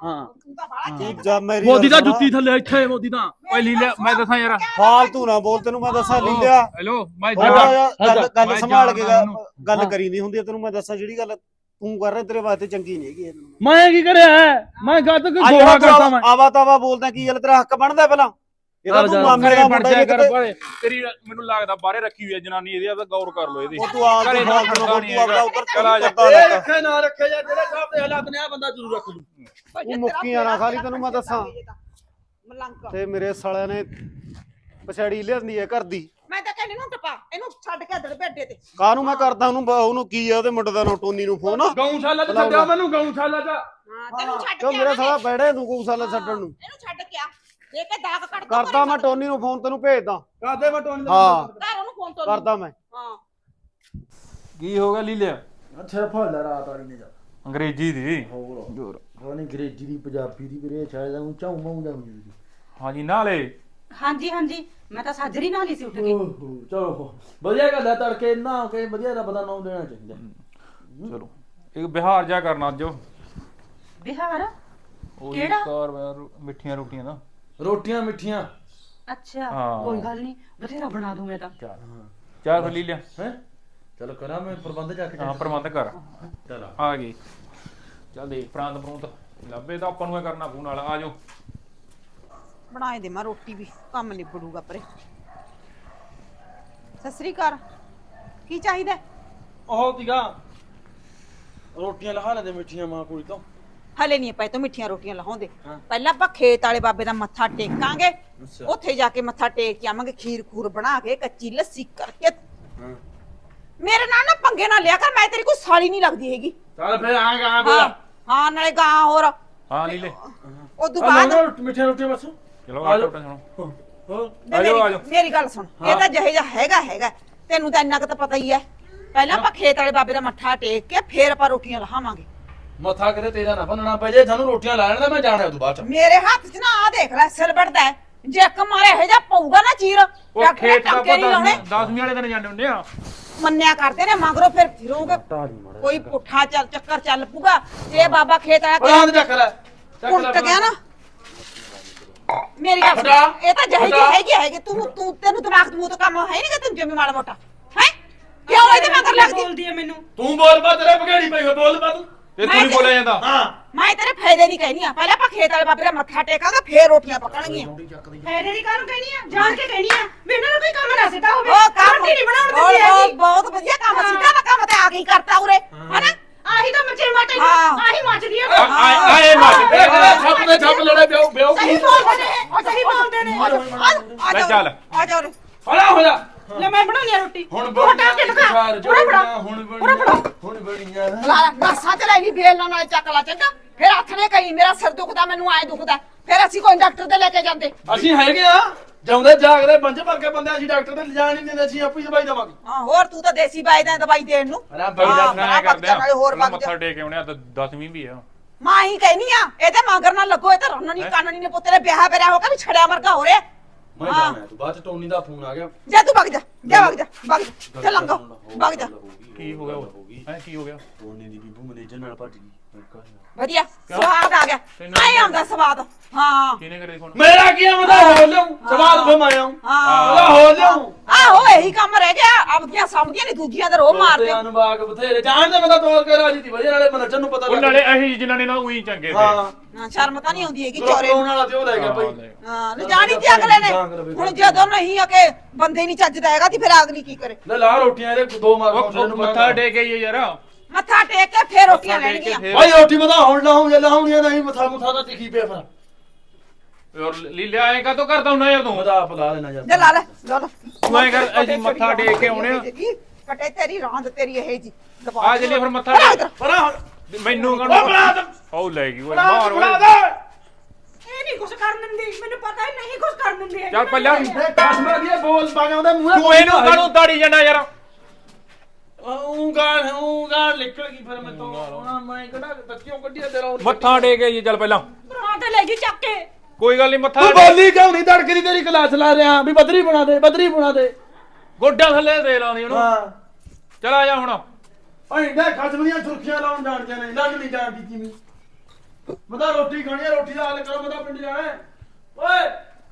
[SPEAKER 2] ਤੂੰ ਤਾਂ ਬਾਹਲਾ
[SPEAKER 3] ਤੂੰ
[SPEAKER 2] ਚੇਕ
[SPEAKER 3] ਜਾ ਮੇਰੀ
[SPEAKER 1] ਮੋਦੀ ਦਾ
[SPEAKER 3] ਗੱਲ ਸੁਣ।
[SPEAKER 1] ਜੁੱਤੀ ਥੱਲੇ ਇੱਥੇ ਮੋਦੀ ਦਾ
[SPEAKER 4] ਓਏ ਲੀਲਿਆ ਮੈਂ ਦੱਸਾਂ ਯਾਰ
[SPEAKER 3] ਫਾਲਤੂ ਨਾ ਬੋਲ ਤੈਨੂੰ ਮੈਂ ਦੱਸਾਂ ਲੀਲਿਆ
[SPEAKER 4] ਹੈਲੋ ਮੈਂ
[SPEAKER 3] ਥੋੜਾ
[SPEAKER 4] ਜੱਗਾ
[SPEAKER 3] ਜਿਹਾ ਗੱਲ ਗੱਲ
[SPEAKER 4] ਮੈਂ
[SPEAKER 3] ਸੰਭਾਲ ਕੇ
[SPEAKER 4] ਜਾਣਦਾ
[SPEAKER 3] ਗੱਲ-
[SPEAKER 4] ਉਹਨੂੰ।
[SPEAKER 3] ਗੱਲ
[SPEAKER 1] ਹਾਂ।
[SPEAKER 3] ਕਰੀ ਨਹੀਂ ਹੁੰਦੀ ਆ, ਤੈਨੂੰ ਮੈਂ ਦੱਸਾਂ ਜਿਹੜੀ ਗੱਲ ਤੂੰ ਕਰ ਰਿਹਾ ਤੇਰੇ ਵਾਸਤੇ ਚੰਗੀ ਨਹੀਂ ਹੈਗੀ ਇਹ ਤੈਨੂੰ।
[SPEAKER 1] ਮੈਂ ਕੀ ਕਰਿਆ ਹੈ? ਮੈਂ ਗੱਦ ਕੇ
[SPEAKER 3] ਅੱਜ
[SPEAKER 1] ਗੋਹਾ ਕਰਦਾ ਮੈਂ
[SPEAKER 3] ਆਵਾ ਤਾਵਾ ਬੋਲਦਾ ਕੀ ਗੱਲ ਤੇਰਾ ਹੱਕ ਬਣਦਾ ਪਹਿਲਾਂ ਇਹ ਤਾਂ
[SPEAKER 1] ਚੱਲ
[SPEAKER 3] ਤੂੰ
[SPEAKER 1] ਜਾ,
[SPEAKER 3] ਮਾਮੇ
[SPEAKER 4] ਘਰੇ
[SPEAKER 3] ਦਾ
[SPEAKER 4] ਬਣ
[SPEAKER 3] ਮੁੰਡਾ
[SPEAKER 4] ਜਾ
[SPEAKER 3] ਹੀ
[SPEAKER 4] ਕਰ
[SPEAKER 3] ਕਿਤੇ
[SPEAKER 4] ਬਾਰੇ ਤੇਰੀ ਮੈਨੂੰ ਲੱਗਦਾ ਬਾਹਰੇ ਰੱਖੀ ਹੋਈ ਹੈ ਜਨਾਨੀ ਇਹਦੀ ਤਾਂ ਗੌਰ ਕਰ ਲੋ ਇਹਦੀ
[SPEAKER 3] ਉਹ ਤੂੰ ਆਪ
[SPEAKER 4] ਘਰੇ
[SPEAKER 3] ਤੂੰ
[SPEAKER 4] ਤਾਂ
[SPEAKER 3] ਫਾਲਤੂ
[SPEAKER 4] ਖੜਦਾ
[SPEAKER 3] ਨਾ
[SPEAKER 4] ਨਹੀਂ
[SPEAKER 3] ਤੂੰ ਆਪਦਾ
[SPEAKER 4] ਹੈਗਾ।
[SPEAKER 3] ਉੱਧਰ
[SPEAKER 4] ਚੱਲ ਆ ਜਾ।
[SPEAKER 3] ਕਰਦਾ
[SPEAKER 1] ਇਹ
[SPEAKER 3] ਰਹਿੰਦਾ।
[SPEAKER 1] ਰੱਖੇ ਨਾ ਰੱਖੇ ਜਾਂ ਜਿਹੜੇ ਸਾਹਿਬ ਦੇ ਹਾਲਾਤ ਨੇ ਆ ਬੰਦਾ ਜ਼ਰੂਰ ਰੱਖ ਲੂ
[SPEAKER 3] ਤੂੰ ਮੁੱਕੀਆਂ ਨਾ ਖਾਲੀ ਤੈਨੂੰ ਮੈਂ ਦੱਸਾਂ
[SPEAKER 2] ਮਲੰਗ
[SPEAKER 3] ਤੇ ਮੇਰੇ ਸਾਲਿਆਂ ਨੇ ਪਛਾੜੀ ਲਿਆਂਦੀ ਹੈ ਘਰ ਦੀ
[SPEAKER 2] ਮੈਂ ਤਾਂ ਕਹਿੰਦੀ ਨੂੰ ਟਪਾ ਇਹਨੂੰ ਛੱਡ ਕੇ ਦੜ ਬੈੱਡੇ ਤੇ
[SPEAKER 3] ਕਾਹਨੂੰ ਮੈਂ ਕਰਦਾ ਉਹਨੂੰ ਬ- ਉਹਨੂੰ ਕੀ ਆ ਉਹਦੇ ਮੁੰਡੇ ਦਾ ਨਾਂ ਟੋਨੀ ਨੂੰ ਫੋਨ
[SPEAKER 1] ਗਊਸ਼ਾਲਾ ਚ ਛੱਡਿਆ ਮੈਨੂੰ ਗਊਸ਼ਾਲਾ ਚ
[SPEAKER 2] ਹਾਂ ਤੈਨੂੰ ਛੱਡ
[SPEAKER 3] ਕਿਉਂ
[SPEAKER 2] ਕੇ
[SPEAKER 3] ਮੇਰਾ
[SPEAKER 2] ਆਵਾਂਗੇ।
[SPEAKER 3] ਸਾਲਾ ਬੈੜੇ ਤੂੰ ਗਊਸ਼ਾਲਾ ਛੱਡਣ ਨੂੰ
[SPEAKER 2] ਇਹਨੂੰ ਛੱਡ ਕੇ ਆ ਦੇ ਕੇ ਦਾਗ ਕੱਢ ਦੋ
[SPEAKER 3] ਕਰਦਾ ਮੈਂ ਟੋਨੀ ਨੂੰ ਫੋਨ ਤੈਨੂੰ ਭੇਜਦਾ
[SPEAKER 1] ਕਾਦੇ ਮਟੋਣੀ
[SPEAKER 3] ਹਾਂ
[SPEAKER 2] ਘਰ ਉਹਨੂੰ ਫੋਨ ਤੋਂ
[SPEAKER 3] ਕਰਦਾ ਮੈਂ
[SPEAKER 2] ਹਾਂ
[SPEAKER 4] ਕੀ ਹੋ ਗਿਆ ਲੀਲਿਆ
[SPEAKER 1] ਅੱਛਾ ਫੜ ਲੈ ਰਾਤ ਵਾਲੀ ਨੇ ਜਾ
[SPEAKER 4] ਅੰਗਰੇਜ਼ੀ ਦੀ
[SPEAKER 1] ਹੋਰ ਹੋਰ ਅੰਗਰੇਜ਼ੀ ਦੀ ਪੰਜਾਬੀ ਦੀ ਵੀਰੇ ਸ਼ਾਇਦ ਉਹ ਚਾਉ ਮਾਉ ਦਾ ਹੁੰਦੀ
[SPEAKER 4] ਹਾਂਜੀ ਨਾਲੇ
[SPEAKER 5] ਹਾਂਜੀ ਹਾਂਜੀ ਮੈਂ ਤਾਂ ਸਾਜਰੀ ਨਾਲ ਹੀ ਸੀ ਉੱਠ ਕੇ
[SPEAKER 1] ਓਹੋ ਚਲੋ ਵਧੀਆ ਗੱਲ ਹੈ ਤੜਕੇ ਨਾ ਕੇ ਵਧੀਆ ਰੱਬ ਦਾ ਨਾਮ ਦੇਣਾ ਚਾਹੀਦਾ
[SPEAKER 4] ਚਲੋ ਇੱਕ ਬਿਹਾਰ ਜਾ ਕਰਨਾ ਅੱਜ
[SPEAKER 5] ਬਿਹਾਰ
[SPEAKER 4] ਉਹ
[SPEAKER 5] ਕਿਹੜਾ?
[SPEAKER 4] ਕਾਰ ਮਿੱਠੀਆਂ ਰੋਟੀਆਂ ਦਾ
[SPEAKER 1] ਰੋਟੀਆਂ ਮਿੱਠੀਆਂ
[SPEAKER 5] ਅੱਛਾ
[SPEAKER 4] ਹਾਂ।
[SPEAKER 5] ਕੋਈ ਗੱਲ ਨਹੀਂ ਬਥੇਰਾ ਬਣਾ ਦੂੰ ਮੈਂ ਤਾਂ
[SPEAKER 4] ਚੱਲ ਚਾਹ ਫਿਰ ਲੀਲਿਆ
[SPEAKER 1] ਹੈ ਚਲੋ ਕਰਾਂ ਮੈਂ ਪ੍ਰਬੰਧ ਜਾ ਕੇ
[SPEAKER 4] ਹਾਂ ਪ੍ਰਬੰਧ ਕਰ
[SPEAKER 1] ਚਲ
[SPEAKER 4] ਆ ਗਈ ਚੱਲ ਦੇਖ ਪ੍ਰਾਂਤ ਪ੍ਰੂੰਤ ਲੱਭੇ ਤਾਂ ਆਪਾਂ ਨੂੰ ਇਹ ਕਰਨਾ ਪੂ ਨਾਲ ਆ ਜਾਓ
[SPEAKER 2] ਬਣਾਏ ਦੇ ਮੈਂ ਰੋਟੀ ਵੀ ਕੰਮ ਨਿਬੜੂਗਾ ਪਰੇ ਸਤਿ ਸ੍ਰੀ ਅਕਾਲ ਕੀ ਚਾਹੀਦਾ
[SPEAKER 1] ਉਹ ਤੀਗਾ ਰੋਟੀਆਂ ਲਹਾ ਲੈਂਦੇ ਮਿੱਠੀਆਂ ਮਾਂ ਕੋਈ ਤੋਂ
[SPEAKER 2] ਹਲੇ ਨਹੀਂ ਪਏ ਤੋਂ ਮਿੱਠੀਆਂ ਰੋਟੀਆਂ ਲਾਉਂਦੇ
[SPEAKER 1] ਹਾਂ।
[SPEAKER 2] ਪਹਿਲਾਂ ਆਪਾਂ ਖੇਤ ਵਾਲੇ ਬਾਬੇ ਦਾ ਮੱਥਾ ਟੇਕਾਂਗੇ
[SPEAKER 1] ਅੱਛਾ।
[SPEAKER 2] ਉੱਥੇ ਜਾ ਕੇ ਮੱਥਾ ਟੇਕ ਕੇ ਆਵਾਂਗੇ ਖੀਰ ਖੂਰ ਬਣਾ ਕੇ ਕੱਚੀ ਲੱਸੀ ਕਰਕੇ
[SPEAKER 1] ਹਾਂ
[SPEAKER 2] ਮੇਰੇ ਨਾਲ ਨਾ ਪੰਗੇ ਨਾ ਲਿਆ ਕਰ ਮੈਂ ਤੇਰੀ ਕੋਈ ਸਾਲੀ ਨਹੀਂ ਲੱਗਦੀ ਹੈਗੀ
[SPEAKER 1] ਚੱਲ ਫਿਰ ਆਏਗਾ ਆ
[SPEAKER 2] ਹਾਂ
[SPEAKER 1] ਬੋਲਾ
[SPEAKER 2] ਹਾਂ ਨਾਲੇ ਗਾਂ ਹੋਰ
[SPEAKER 4] ਹਾਂ ਲੀਲੇ
[SPEAKER 2] ਉਦੋਂ ਬਾਅਦ
[SPEAKER 1] ਮਿੱਠੀਆਂ ਰੋਟੀਆਂ ਬਸ
[SPEAKER 4] ਚਲੋ
[SPEAKER 1] ਆ
[SPEAKER 4] ਆਟੋ
[SPEAKER 1] ਜਾਓ।
[SPEAKER 4] ਟਾ ਸੁਣੋ
[SPEAKER 1] ਹੋਰ
[SPEAKER 2] ਵੇ
[SPEAKER 4] ਆ ਜਾਓ, ਆ
[SPEAKER 2] ਮੇਰੀ
[SPEAKER 4] ਜਾਓ।
[SPEAKER 2] ਮੇਰੀ ਗੱਲ ਸੁਣ ਇਹ ਤਾਂ ਜਿਹੇ ਜਿਹਾ ਹੈਗਾ ਹੈਗਾ ਤੈਨੂੰ ਤਾਂ ਇੰਨਾ ਕੁ ਤਾਂ ਪਤਾ ਹੀ ਹੈ ਪਹਿਲਾਂ ਆਪਾਂ ਖੇਤ ਵਾਲੇ ਬਾਬੇ ਦਾ ਮੱਥਾ ਟੇਕ ਕੇ ਫੇਰ ਆਪਾਂ ਰੋਟੀਆਂ ਲਾਹਾਂਗੇ
[SPEAKER 1] ਮੱਥਾ ਕਿਤੇ ਤੇਰਾ ਨਾ ਬੰਨਣਾ ਪੈ ਜੇ ਸਾਨੂੰ ਰੋਟੀਆਂ ਲਾ ਲੈਣ ਦਾ ਮੈਂ ਜਾਣਾ ਉਦੋਂ ਬਾਅਦ ਚ
[SPEAKER 2] ਮੇਰੇ ਹੱਥ 'ਚ ਨਾ ਆ ਦੇਖ ਲੈ ਸਿਰ ਵੱਢਦਾ ਹੈ। ਜੇ ਇੱਕ ਮਾਰੇ ਇਹ ਜਾ ਪਊਗਾ ਨਾ ਚੀਰ
[SPEAKER 4] ਉਹ
[SPEAKER 2] ਡਾਕਟਰ
[SPEAKER 4] ਖੇਤ ਦਾ
[SPEAKER 2] ਟਾਂਕੇ ਨਹੀਂ ਲਾਉਣੇ
[SPEAKER 4] ਦਸਵੀਂ ਵਾਲੇ ਦਿਨ ਜਾਂਦੇ ਹੁੰਦੇ ਆ
[SPEAKER 2] ਮੰਨਿਆ ਕਰਦੇ ਨੇ ਮਗਰੋਂ ਫਿਰ ਫਿਰੋਗੇ ਕੋਈ ਪੁੱਠਾ ਚੱਲ ਚੱਕਰ ਚੱਲ ਪੂਗਾ ਜੇ ਬਾਬਾ ਖੇਤ ਆਇਆ
[SPEAKER 1] ਬਲਾਂ ਦੇ ਚੱਕ ਲੈ ਚੱਕ ਲੈ
[SPEAKER 2] ਉਲਟ ਗਿਆ ਨਾ ਮੇਰੀ ਗੱਲ ਸੁਣ,
[SPEAKER 1] ਹਟਾ।
[SPEAKER 2] ਇਹ ਤਾਂ ਜਿਹੇ ਜਿਹੀ
[SPEAKER 1] ਹਟਾ।
[SPEAKER 2] ਹੈਗੀ ਹੈਗੀ ਤੂੰ ਤੂੰ ਤੈਨੂੰ ਦਿਮਾਗ ਤੋਂ ਤਾਂ ਕੰਮ ਹੈ ਨਹੀਂ ਕਿ ਤੈਨੂੰ ਜਿਵੇਂ ਮਾੜਾ ਮੋਟਾ ਹੈ ਕਿਉਂ ਇਹਦੇ ਮਗਰ ਲੱਗਦੀ
[SPEAKER 5] ਬੋਲਦੀ ਹੈ ਮੈਨੂੰ
[SPEAKER 1] ਤੂੰ ਬੋਲ ਬਾ ਤੇਰੇ ਬਗੇੜੀ ਪਈ ਹੋਈ, ਬੋਲ ਬਾ ਤੂੰ
[SPEAKER 4] ਤੇ ਤੂੰ ਨਹੀਂ ਬੋਲਿਆ ਜਾਂਦਾ
[SPEAKER 1] ਹਾਂ
[SPEAKER 2] ਮੈਂ ਤੇਰੇ ਫਾਇਦੇ ਨਹੀਂ ਕਹਿਨੀ ਆ ਪਹਿਲਾਂ ਆਪਾਂ ਖੇਤ ਵਾਲੇ ਬਾਬੇ ਦਾ ਮੱਥਾ ਟੇਕਾਂਗੇ ਫੇਰ ਰੋਟੀਆਂ ਪਕਣਗੀਆਂ
[SPEAKER 5] ਫਾਇਦੇ ਦੀ ਕਾਹਨੂੰ ਕਹਿਣੀ ਆ ਜਾਣ ਕੇ ਕਹਿਣੀ ਆ ਵੀ ਇਹਨਾਂ ਨੂੰ ਕੋਈ ਕੰਮ ਨਾ ਸਿੱਧਾ ਹੋਵੇ
[SPEAKER 2] ਉਹ ਕੰਮ
[SPEAKER 5] ਰੋਟੀ ਨਹੀਂ ਬਣਾਉਣ
[SPEAKER 2] ਬਹੁਤ-
[SPEAKER 5] ਦਿੰਦੀ ਹੈਗੀ
[SPEAKER 2] ਬਹੁਤ ਬਹੁਤ ਵਧੀਆ ਕੰਮ ਸਿੱਧਾ ਦਾ ਕੰਮ ਤੇ ਆ ਗਈ ਕਰਤਾ ਉਰੇ ਹਨਾ
[SPEAKER 5] ਆਹੀ ਤਾਂ ਮੱਚੇ ਮਾਟੇ
[SPEAKER 2] ਹਾਂ।
[SPEAKER 5] ਆਹੀ ਮੱਚਦੀ ਆ
[SPEAKER 4] ਆਏ ਆਏ ਮੱਚ
[SPEAKER 1] ਦੇਖ ਲੈ ਛੱਪ ਦੇ ਛੱਪ ਲੜੇ ਬਿਓ ਬਿਓ
[SPEAKER 2] ਸਹੀ ਬੋਲਦੇ ਨੇ
[SPEAKER 5] ਉਹ ਸਹੀ ਬੋਲਦੇ ਨੇ
[SPEAKER 2] ਆ ਜਾਓ, ਆ
[SPEAKER 4] ਲੈ
[SPEAKER 2] ਜਾਓ
[SPEAKER 4] ਚੱਲ।
[SPEAKER 2] ਆ ਜਾਓ ਉਰੇ।
[SPEAKER 1] ਫੜਾ ਹੋ ਜਾ
[SPEAKER 5] ਲੈ ਮੈਂ ਬਣਾਉਣੀ ਆ ਰੋਟੀ
[SPEAKER 1] ਹੁਣ
[SPEAKER 5] ਉਹ ਹਟਾ ਕੇ ਦਿਖਾ
[SPEAKER 1] ਚਾਰ
[SPEAKER 5] ਉਰੇ ਫੜਾ
[SPEAKER 1] ਹੁਣ
[SPEAKER 5] ਉਰੇ ਫੜਾ
[SPEAKER 1] ਬੜੀਆਂ ਹੁਣ ਬੜੀਆਂ
[SPEAKER 2] ਲਾ ਨਸਾਂ ਚ ਲੈ ਲਈ ਬੇਲ ਨਾਲ ਚੱਕ ਲਾ ਚੰਗਾ ਫਿਰ ਹੱਥ ਨੇ ਕਹੀ ਮੇਰਾ ਸਿਰ ਦੁਖਦਾ ਮੈਨੂੰ ਐ ਦੁਖਦਾ ਫਿਰ ਅਸੀਂ ਕੋਈ ਡਾਕਟਰ ਤੇ ਲੈ ਕੇ ਜਾਂਦੇ
[SPEAKER 1] ਅਸੀਂ ਹੈਗੇ ਆ ਜਾਉਂਦੇ ਜਾਗਦੇ ਬੰਜ ਭਰ ਕੇ ਬੰਦੇ ਅਸੀਂ ਡਾਕਟਰ ਤੇ ਲਿਜਾਣ ਨਹੀਂ ਦਿੰਦੇ ਅਸੀਂ ਆਪੇ ਹੀ ਦਵਾਈ ਦੇਵਾਂਗੇ
[SPEAKER 2] ਹਾਂ ਹੋਰ ਤੂੰ ਤਾਂ ਦੇਸੀ ਬਾਈ ਦਾ ਦਵਾਈ ਦੇਣ ਨੂੰ
[SPEAKER 1] ਅਰੇ ਬਈ ਦਾ
[SPEAKER 2] ਹਾਂ,
[SPEAKER 4] ਨਾ
[SPEAKER 2] ਬੜਾ
[SPEAKER 4] ਕਰਦੇ ਆ
[SPEAKER 2] ਨਾਲੇ ਹੋਰ
[SPEAKER 4] ਪਹਿਲਾਂ
[SPEAKER 2] ਵਗ ਜਾ।
[SPEAKER 4] ਮੱਥਾ ਟੇਕ ਕੇ ਆਉਣੇ ਆ ਤਾਂ ਦਸਵੀਂ ਵੀ ਆ
[SPEAKER 2] ਮਾਂ ਹੀ ਕਹਿਨੀ ਆ ਇਹਦੇ ਮਗਰ ਨਾਲ ਲੱਗੋ ਇਹ ਤਾਂ ਰੰਨਣੀ ਕਾਨਣੀ ਨੇ ਪੁੱਤਰੇ ਵਿਆਹ ਬਰਿਆ ਹੋ ਕੇ ਵੀ ਛੜਿਆ ਵਰਗਾ ਹੋ ਰਿਹਾ
[SPEAKER 1] ਮੈਂ ਜਾਣਾ ਤੂੰ ਬਾਅਦ ਚ ਟੋਨੀ ਦਾ ਫੋਨ ਆ ਗਿਆ
[SPEAKER 2] ਜਾ ਤੂੰ ਵਗ ਜਾ ਜਾ ਵਗ ਜਾ ਵਗ ਜਾ ਚੱਲ ਲੰਘੋ ਵਗ ਜਾ
[SPEAKER 4] ਕੀ ਹੋ ਗਿਆ ਹੈ ਕੀ ਹੋ ਗਿਆ
[SPEAKER 1] ਟੋਨੀ ਦੀ ਬੀਬੂ ਮੈਨੇਜਰ ਨਾਲ ਭੱਜ ਗਈ
[SPEAKER 2] ਵਧੀਆ ਸਵਾਦ ਆ ਗਿਆ
[SPEAKER 4] ਤੈਨੂੰ
[SPEAKER 2] ਆਏ ਆਉਂਦਾ ਸਵਾਦ ਹਾਂ
[SPEAKER 4] ਕਿਹਨੇ ਕਰੇ ਫੋਨ
[SPEAKER 1] ਮੇਰਾ ਕੀ ਆਉਂਦਾ ਹੋ ਲਿਓ ਸਵਾਲ ਫਮਾਇਆ
[SPEAKER 2] ਹਾਂ
[SPEAKER 1] ਉਹਦਾ ਹੋ ਲਿਓ
[SPEAKER 2] ਆਹੋ ਇਹੀ ਕੰਮ ਰਹਿ ਗਿਆ ਆਪਦੀਆਂ ਸਮਝੀਆਂ ਨਹੀਂ ਦੂਜੀਆਂ ਦਾ ਰੋਹ ਮਾਰਦੇ
[SPEAKER 1] ਅਨੁਭਾਗ ਬਥੇਰੇ ਜਾਣਦੇ ਮੈਂ ਤਾਂ ਤੋਰ ਕੇ ਰਾਜੀ ਦੀ ਵਧੀਆ ਨਾਲੇ ਮੈਨੇਜਰ ਨੂੰ ਪਤਾ
[SPEAKER 4] ਉਹ
[SPEAKER 1] ਲੱਗ
[SPEAKER 4] ਨਾਲੇ ਅਹੀ ਜਿਨ੍ਹਾਂ ਨੇ ਨਾ ਉਹੀ ਚੰਗੇ
[SPEAKER 1] ਹਾਂ
[SPEAKER 2] ਹਾਂ ਸ਼ਰਮ ਤਾਂ ਨਹੀਂ ਆਉਂਦੀ ਹੈਗੀ
[SPEAKER 1] ਚੋਰੇ
[SPEAKER 2] ਚੋਰੇ ਨੂੰ।
[SPEAKER 1] ਵਾਲਾ ਤੇ ਉਹ ਲੈ ਗਿਆ ਭਾਈ
[SPEAKER 2] ਹਾਂ ਲਿਜਾਣੀ ਤੇ ਅਗਲੇ ਨੇ ਹੁਣ ਜਦੋਂ ਨਹੀਂ ਆ ਕਿ ਬੰਦੇ ਨਹੀਂ ਚੱਜਦਾ ਹੈਗਾ ਤੇ ਫਿਰ ਅਗਲੀ ਕੀ ਕਰੇ
[SPEAKER 1] ਲੈ ਲਾ ਰੋਟੀਆਂ ਇਹਦੇ ਦੋ ਮਾਰ
[SPEAKER 4] ਉਹ ਮੱਥਾ ਟੇਕ ਕੇ ਯਾਰ
[SPEAKER 2] ਮੱਥਾ ਟੇਕ ਕੇ ਫੇਰ ਰੋਟੀਆਂ
[SPEAKER 4] ਮੱਥਾ ਟੇਕ ਕੇ
[SPEAKER 2] ਲੈਣਗੀਆਂ
[SPEAKER 4] ਫੇਰ-
[SPEAKER 1] ਭਾਈ ਰੋਟੀ ਬਤਾ ਹੁਣ ਲਾਉਂ ਜੇ ਲਾਉਣੀਆਂ ਨਹੀਂ ਮਥਾ ਮੁਥਾ ਤਾਂ ਤਿੱਖੀ ਪਿਆ ਫਿਰ
[SPEAKER 4] ਔਰ ਲੀਲਿਆ ਐ ਕਾਤੋਂ ਕਰਦਾ ਹੁੰਦਾ ਯਾਰ ਤੂੰ
[SPEAKER 1] ਮਦਾ ਆਪ ਲਾ ਲੈਣਾ
[SPEAKER 2] ਜੇ
[SPEAKER 1] ਯਾਰ
[SPEAKER 2] ਲਾ ਲੈ ਲਾ ਲੈ
[SPEAKER 4] ਤੂੰ ਐਂ ਕਰ, ਅਸੀਂ ਮੱਥਾ ਟੇਕ ਕੇ ਆਉਣੇ ਆ।
[SPEAKER 2] ਕਟੇ ਤੇਰੀ ਰਾਂਦ ਤੇਰੀ ਇਹ ਜੀ
[SPEAKER 4] ਆ ਜਲੀ ਫਿਰ ਮੱਥਾ ਟੇਕ
[SPEAKER 1] ਪਰਾ ਹੁਣ
[SPEAKER 4] ਮੈਨੂੰ
[SPEAKER 1] ਉਹ ਬਣਾ
[SPEAKER 4] ਕਹਣਾ
[SPEAKER 1] ਦੇ
[SPEAKER 4] ਉਹ ਲੈ ਗਈ ਓਏ
[SPEAKER 1] ਬਣਾ
[SPEAKER 4] ਮਾਰ
[SPEAKER 1] ਦੇ, ਬਣਾ
[SPEAKER 4] ਓਏ
[SPEAKER 1] ਦੇ
[SPEAKER 5] ਇਹ ਨਹੀਂ ਕੁਛ ਕਰਨ ਦਿੰਦੀ ਮੈਨੂੰ ਪਤਾ ਹੀ ਨਹੀਂ ਕੁਛ ਕਰਨ ਦਿੰਦੀ
[SPEAKER 4] ਚੱਲ ਪੱਲਿਆ
[SPEAKER 1] ਇਹ ਕਾਸਮਾ ਦੀ ਬੋਲ ਪਾ ਕੇ ਉਹਦੇ ਮੂੰਹ
[SPEAKER 4] ਤੂੰ ਇਹਨੂੰ ਕਾਹਨੂੰ ਦਾੜੀ ਜਾਂਦਾ ਯਾਰ
[SPEAKER 1] ਉਹ ਗਾਲ ਉਹ ਗਾਲ ਨਿਕਲ ਗਈ ਫਿਰ ਮੈਂ ਤੋਂ ਉਹਨਾਂ ਮੈਂ ਕਿਹੜਾ ਬੱਚਿਓ ਕੱਢਿਆ ਤੇਰਾ ਉਹ
[SPEAKER 4] ਮੱਥਾ ਟੇਕ ਕੇ ਜੀ ਚੱਲ ਪਹਿਲਾਂ
[SPEAKER 5] ਬਣਾ ਤੇ ਲੈ ਗਈ ਚੱਕ ਕੇ
[SPEAKER 4] ਕੋਈ ਗੱਲ ਨਹੀਂ ਮੱਥਾ
[SPEAKER 1] ਤੂੰ
[SPEAKER 4] ਟੇਕ-
[SPEAKER 1] ਬੋਲੀ ਕਿਉਂ ਨਹੀਂ ਧੜਕਦੀ ਤੇਰੀ ਕਲਾਸ ਲਾ ਰਿਹਾ ਵੀ ਬਦਰੀ ਬਣਾ ਦੇ ਬਦਰੀ ਬਣਾ ਦੇ
[SPEAKER 4] ਗੋਡਿਆਂ ਥੱਲੇ ਦੇ ਲਾਉਂਦੀ ਉਹਨੂੰ
[SPEAKER 1] ਹਾਂ
[SPEAKER 4] ਚੱਲ ਆ ਜਾ ਹੁਣ
[SPEAKER 1] ਭਾਈ ਦੇ ਖਸਮ ਦੀਆਂ ਸੁਰਖੀਆਂ ਲਾਉਣ ਜਾਣਦੇ ਨੇ ਲੰਘ ਨਹੀਂ ਜਾਣਦੀ ਕਿਵੇਂ ਮੈਂ ਤਾਂ ਰੋਟੀ ਖਾਣੀ ਹੈ, ਰੋਟੀ ਦਾ ਹੱਲ ਕਰੋ, ਮੈਂ ਤਾਂ ਪਿੰਡ ਜਾਣਾ ਹੈ। ਓਏ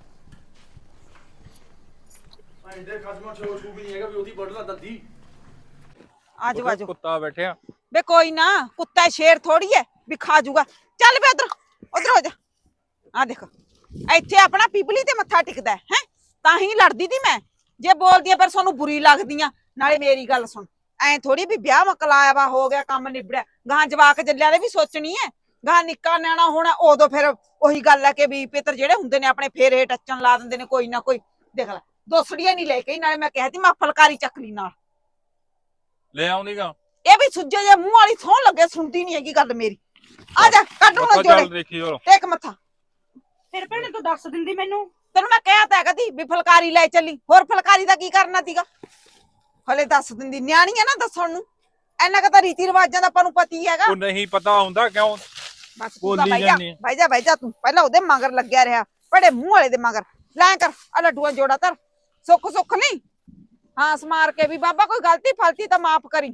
[SPEAKER 1] ਆਈ ਦੇ ਖਸਮਾ ਛੋ ਛੂ ਵੀ ਨਹੀਂ ਹੈਗਾ ਵੀ ਉਹਦੀ ਵੱਢ ਲਾ ਦੰਦੀ।
[SPEAKER 2] ਆਜੋ ਆਜੋ
[SPEAKER 4] ਕੁੱਤਾ ਬੈਠਿਆ
[SPEAKER 2] ਬੇ ਕੋਈ ਨਾ ਕੁੱਤਾ ਸ਼ੇਰ ਥੋੜੀ ਐ ਵੀ ਖਾ ਜੂਗਾ। ਚੱਲ ਬੇ ਉਧਰ ਉਧਰ ਹੋ ਜਾ। ਆ ਦੇਖ ਇੱਥੇ ਆਪਣਾ ਪਿਪਲੀ ਤੇ ਮੱਥਾ ਟਿਕਦਾ ਹੈ ਹੈਂ? ਤਾਂ ਹੀ ਲੜਦੀ ਤੀ ਮੈਂ। ਜੇ ਬੋਲਦੀਆਂ ਪਰ ਸਾਨੂੰ ਬੁਰੀ ਲੱਗਦੀਆਂ। ਨਾਲੇ ਮੇਰੀ ਗੱਲ ਸੁਣ, ਐ ਥੋੜੀ ਵੀ ਵਿਆਹ ਮਕਲਾਇਆ ਵਾ ਹੋ ਗਿਆ ਕੰਮ ਨਿਬੜਿਆ, ਗਾਂ ਜਵਾਕ ਜੱਲਿਆਂ ਦੇ ਵੀ ਸੋਚਣੀ ਐ। ਗਾਂ ਨਿੱਕਾ ਨਿਆਣਾ ਹੋਣਾ ਉਦੋਂ ਫਿਰ ਉਹੀ ਗੱਲ ਹੈ ਕਿ ਵੀ ਪਿੱਤਰ ਜਿਹੜੇ ਹੁੰਦੇ ਨੇ ਆਪਣੇ ਫੇਰੇ ਟੱਚਣ ਲਾ ਦਿੰਦੇ ਨੇ ਕੋਈ ਨਾ ਕੋਈ। ਦੇਖ ਲੈ ਦੋਸੜੀਆਂ ਨਹੀਂ ਲੈ ਕੇ ਨਾਲੇ ਮੈਂ ਕਹਿ ਤੀ ਮੈਂ ਫਲਕਾਰੀ ਚੱਕਲੀ ਨਾਲ
[SPEAKER 4] ਲੈ ਆਉਂਦੀਗਾ।
[SPEAKER 2] ਇਹ ਵੀ ਸੁੱਜੇ ਜੇ ਮੂੰਹ ਵਾਲੀ ਸੌਣ ਲੱਗੇ, ਸੁਣਦੀ ਨਹੀਂ ਹੈਗੀ ਗੱਲ ਮੇਰੀ। ਆ ਜਾ ਕੱਢ ਹੁਣ
[SPEAKER 4] ਚੱਲ
[SPEAKER 2] ਜੋੜੇ
[SPEAKER 4] ਦੇਖੀ ਚਲੋ
[SPEAKER 2] ਟੇਕ ਮੱਥਾ।
[SPEAKER 5] ਫਿਰ ਭੈਣੇ ਤੂੰ ਦੱਸ ਦਿੰਦੀ ਮੈਨੂੰ।
[SPEAKER 2] ਤੈਨੂੰ ਮੈਂ ਕਿਹਾ ਤਾਂ ਕਦੀ ਵੀ ਫਲਕਾਰੀ ਲੈ ਚੱਲੀ, ਹੋਰ ਫਲਕਾਰੀ ਦਾ ਕੀ ਕਰਨਾ ਸੀਗਾ। ਹਲੇ ਦੱਸ ਦਿੰਦੀ, ਨਿਆਣੀ ਆ ਨਾ ਦੱਸਣ ਨੂੰ। ਇੰਨਾ ਕੁ ਤਾਂ ਰੀਤੀ ਰਿਵਾਜਾਂ ਦਾ ਆਪਾਂ ਨੂੰ ਪਤੀ ਹੈਗਾ।
[SPEAKER 4] ਉਹ ਨਹੀਂ ਪਤਾ ਹੁੰਦਾ ਕਿਉਂ
[SPEAKER 2] ਬਸ ਤੂੰ ਤਾਂ
[SPEAKER 4] ਬੋਲੀ
[SPEAKER 2] ਬਹਿ ਜਾ
[SPEAKER 4] ਜਾਂਦੀ ਆ।
[SPEAKER 2] ਬਹਿ ਜਾ ਬਹਿ ਜਾ ਤੂੰ ਪਹਿਲਾਂ ਉਹਦੇ ਮਗਰ ਲੱਗਿਆ ਰਿਹਾ, ਬੜੇ ਮੂੰਹ ਵਾਲੇ ਦੇ ਮਗਰ। ਲੈ ਕਰ ਆ ਲੱਡੂਆਂ ਜੋੜਾ ਧਰ, ਸੁੱਖ ਸੁੱਖ ਨਹੀਂ ਹਾਂ ਸਮਾਰ ਕੇ ਵੀ ਬਾਬਾ ਕੋਈ ਗਲਤੀ ਫਲਤੀ ਤਾਂ ਮਾਫ ਕਰੀ।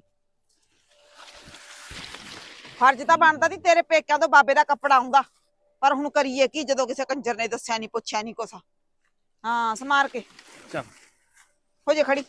[SPEAKER 2] ਫਰਜ਼ ਤਾਂ ਬਣਦਾ ਸੀ ਤੇਰੇ ਪੇਕਿਆਂ ਤੋਂ ਬਾਬੇ ਦਾ ਕੱਪੜਾ ਆਉਂਦਾ, ਪਰ ਹੁਣ ਕਰੀਏ ਕੀ ਜਦੋਂ ਕਿਸੇ ਕੰਜਰ ਨੇ ਦੱਸਿਆ ਨਹੀਂ ਪੁੱਛਿਆ ਨਹੀਂ ਕੁਛ। ਹਾਂ ਸਮਾਰ ਕੇ
[SPEAKER 4] ਚੱਲ
[SPEAKER 2] ਹੋ ਜੇ ਖੜੀ।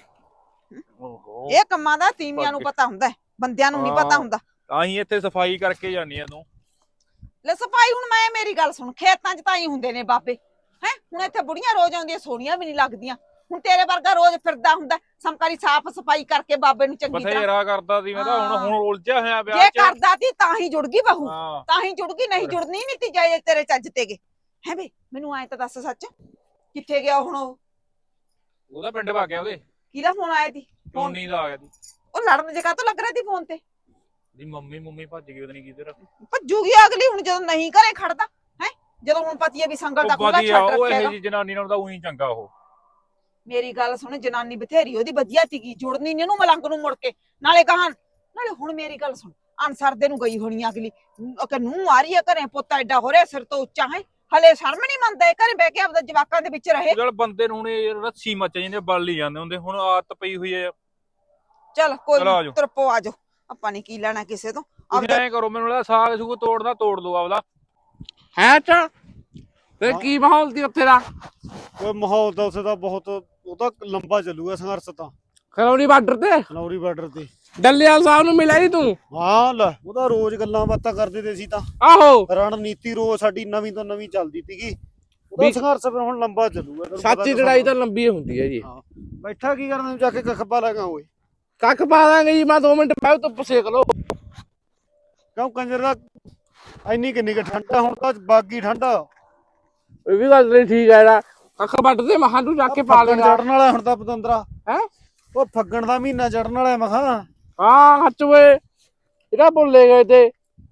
[SPEAKER 4] ਓਹੋ
[SPEAKER 2] ਇਹ ਕੰਮਾਂ ਦਾ ਤੀਵੀਆਂ ਨੂੰ ਪਤਾ ਹੁੰਦਾ, ਬੰਦਿਆਂ ਨੂੰ ਨਹੀਂ ਪਤਾ ਹੁੰਦਾ।
[SPEAKER 4] ਤਾਂ ਹੀ ਇੱਥੇ ਸਫਾਈ ਕਰਕੇ ਜਾਨੀ ਆ ਤੂੰ।
[SPEAKER 2] ਲੈ ਸਫਾਈ ਹੁਣ ਮੈਂ ਮੇਰੀ ਗੱਲ ਸੁਣ, ਖੇਤਾਂ 'ਚ ਤਾਂ ਹੀ ਹੁੰਦੇ ਨੇ ਬਾਬੇ ਹੈ। ਹੁਣ ਇੱਥੇ ਬੁੜੀਆਂ ਰੋਜ਼ ਆਉਂਦੀਆਂ, ਸੋਹਣੀਆਂ ਵੀ ਨਹੀਂ ਲੱਗਦੀਆਂ। ਹੁਣ ਤੇਰੇ ਵਰਗਾ ਰੋਜ਼ ਫਿਰਦਾ ਹੁੰਦਾ ਸਮਕਾਰੀ ਸਾਫ਼ ਸਫਾਈ ਕਰਕੇ ਬਾਬੇ ਨੂੰ ਚੰਗੀ ਤਰ੍ਹਾਂ।
[SPEAKER 4] ਬਥੇਰਾ ਕਰਦਾ ਸੀ ਮੈਂ ਤਾਂ, ਹੁਣ ਹੁਣ ਉਲਝਿਆ ਹੋਇਆ ਵਿਆਹ
[SPEAKER 2] ਜੇ
[SPEAKER 4] 'ਚ।
[SPEAKER 2] ਕਰਦਾ ਸੀ ਤਾਂ ਹੀ ਜੁੜ ਗਈ ਬਹੂ,
[SPEAKER 4] ਹਾਂ
[SPEAKER 2] ਤਾਂ ਹੀ ਜੁੜ ਗਈ, ਨਹੀਂ ਜੁੜਨੀ ਨਹੀਂ ਤੀ ਜਾਏ ਤੇਰੇ ਚੱਜ ਤੇ ਗਏ ਹੈ। ਵੇ ਮੈਨੂੰ ਐਂ ਤਾਂ ਦੱਸ ਸੱਚ, ਕਿੱਥੇ ਗਿਆ ਹੁਣ ਉਹ?
[SPEAKER 4] ਉਹਦਾ ਪਿੰਡ ਭਾ ਗਿਆ, ਉਹਦੇ
[SPEAKER 2] ਕਿਹਦਾ ਫੋਨ ਆਇਆ ਸੀ?
[SPEAKER 4] ਟੋਨੀ ਦਾ ਆ ਗਿਆ ਸੀ।
[SPEAKER 2] ਉਹ ਲੜਨ ਜੇ ਕਾਹਤੋਂ ਲੱਗ ਰਿਹਾ ਸੀ ਫੋਨ ਤੇ?
[SPEAKER 4] ਦੀ ਮੰਮੀ ਮੰਮੀ ਭੱਜ ਗਈ, ਉਹਦੇ ਨਹੀਂ ਕਿਧਰ।
[SPEAKER 2] ਭੱਜੂਗੀ ਅਗਲੀ ਹੁਣ ਜਦੋਂ ਨਹੀਂ ਘਰੇ ਖੜਦਾ ਹੈ। ਜਦੋਂ ਹੁਣ ਪਤੀ ਹੈ ਵੀ ਸੰਗਲ ਦਾ
[SPEAKER 4] ਉਹ
[SPEAKER 2] ਖੁੱਲਾ
[SPEAKER 4] ਵਧੀਆ,
[SPEAKER 2] ਛੱਡ
[SPEAKER 4] ਉਹ ਇਹੋ
[SPEAKER 2] ਰੱਖੇਗਾ।
[SPEAKER 4] ਜਿਹੀ ਜਨਾਨੀ ਨਾਲ ਤਾਂ ਉਹੀ ਚੰਗਾ ਉਹ।
[SPEAKER 2] ਮੇਰੀ ਗੱਲ ਸੁਣ, ਜਨਾਨੀ ਬਥੇਰੀ ਉਹਦੀ ਵਧੀਆ ਸੀਗੀ, ਜੁੜਨੀ ਨੀ ਇਹਨੂੰ ਮਲੰਗ ਨੂੰ ਮੁੜ ਕੇ। ਨਾਲੇ ਕਹਾਂ ਨਾਲੇ ਹੁਣ ਮੇਰੀ ਗੱਲ ਸੁਣ, ਅਨਸਰਦੇ ਨੂੰ ਗਈ ਹੋਣੀ ਅਗਲੀ ਕਿ ਨੂੰ ਆ ਰਹੀ ਹੈ ਘਰੇ, ਪੁੱਤ ਐਡਾ ਹੋ ਰਿਹਾ ਸਿਰ ਤੋਂ ਉੱਚਾ ਹੈ, ਹਲੇ ਸ਼ਰਮ ਨਹੀਂ ਮੰਨਦਾ ਇਹ ਘਰੇ ਬਹਿ ਕੇ ਆਪਦਾ ਜਵਾਕਾਂ ਦੇ ਵਿੱਚ ਰਹੇ।
[SPEAKER 4] ਚੱਲ ਬੰਦੇ ਨੂੰ ਹੁਣ ਇਹ ਰੱਸੀ ਮੱਚ ਜਾਂਦੇ, ਬਲ ਹੀ ਜਾਂਦੇ ਹੁੰਦੇ, ਹੁਣ ਆਦਤ ਪਈ ਹੋਈ ਹੈ।
[SPEAKER 2] ਚੱਲ ਕੋਈ
[SPEAKER 4] ਚਲੋ ਆ ਜਾਓ।
[SPEAKER 2] ਤਰਪੋ ਆ ਜਾਓ, ਆਪਾਂ ਨੇ ਕੀ ਲੈਣਾ ਕਿਸੇ ਤੋਂ।
[SPEAKER 4] ਤੁਸੀਂ ਐਂ ਕਰੋ, ਮੈਨੂੰ ਲੱਗਦਾ ਸਾਗ ਸੂਗ ਤੋੜਦਾ ਤੋੜ ਲਓ ਆਪਦਾ।
[SPEAKER 1] ਹੈ ਅੱਛਾ ਤੇ ਕੀ ਮਾਹੌਲ ਸੀ ਉੱਥੇ ਦਾ?
[SPEAKER 3] ਕੋਈ ਮਾਹੌਲ ਤਾਂ ਉੱਥੇ ਦਾ ਬਹੁਤ, ਉਹ ਤਾਂ ਲੰਬਾ ਚੱਲੂਗਾ ਸੰਘਰਸ਼ ਤਾਂ।
[SPEAKER 1] ਖਲੌਰੀ ਬਾਰਡਰ ਤੇ
[SPEAKER 3] ਖਨੌਰੀ ਬਾਰਡਰ ਤੇ।
[SPEAKER 1] ਡੱਲੇਵਾਲ ਸਾਹਿਬ ਨੂੰ ਮਿਲਿਆ ਸੀ ਤੂੰ?
[SPEAKER 3] ਹਾਂ ਲੈ ਉਹ ਤਾਂ ਰੋਜ਼ ਗੱਲਾਂ ਬਾਤਾਂ ਕਰਦੇ ਤੇ ਸੀ ਤਾਂ।
[SPEAKER 1] ਆਹੋ
[SPEAKER 3] ਰਣਨੀਤੀ ਰੋਜ਼ ਸਾਡੀ ਨਵੀਂ ਤੋਂ ਨਵੀਂ ਚੱਲਦੀ ਸੀਗੀ। ਉਹਦਾ
[SPEAKER 1] ਵੀ-
[SPEAKER 3] ਸੰਘਰਸ਼ ਫਿਰ ਹੁਣ ਲੰਬਾ ਚੱਲੂਗਾ। ਤੈਨੂੰ ਪਤਾ
[SPEAKER 1] ਸੱਚੀ
[SPEAKER 3] ਤਾਂ
[SPEAKER 1] ਲੜਾਈ ਤਾਂ ਲੰਬੀ ਹੁੰਦੀ ਹੈ ਜੀ।
[SPEAKER 3] ਹਾਂ। ਬੈਠਾ ਕੀ ਕਰਨਾ ਜਾ ਕੇ ਖੱਬਾ ਲਗਾ ਓਏ।
[SPEAKER 1] ਕੱਖ ਪਾ ਦਾਂਗੇ ਜੀ, ਮੈਂ ਦੋ ਮਿੰਟ ਬਾਅਦ ਧੁੱਪ ਸੇਕ ਲਓ।
[SPEAKER 3] ਕਿਉਂ ਕੰਜਰ ਦਾ ਇੰਨੀ ਕਿੰਨੀ ਕੁ ਠੰਡ ਆ, ਹੁਣ ਤਾਂ ਬਾਗੀ ਠੰਡ ਆ।
[SPEAKER 1] ਇਹ ਵੀ ਗੱਲ ਨਹੀਂ ਠੀਕ ਹੈ ਨਾ, ਕੱਖ ਵੱਢ ਦੇ ਮਹਾਂ ਤੂੰ ਜਾ ਕੇ ਪਾ
[SPEAKER 3] ਫੱਗਣ
[SPEAKER 1] ਲੈਣਾ
[SPEAKER 3] ਚੜਨ ਵਾਲਾ ਹੁਣ ਤਾਂ ਪਤੰਦਰਾ।
[SPEAKER 1] ਹੈ।
[SPEAKER 3] ਉਹ ਫੱਗਣ ਦਾ ਮਹੀਨਾ ਚੜਨ ਵਾਲਾ ਮਖਾ।
[SPEAKER 1] ਹਾਂ ਹੱਚ ਓਏ, ਇਹਦਾ ਭੁੱਲੇ ਗਏ ਤੇ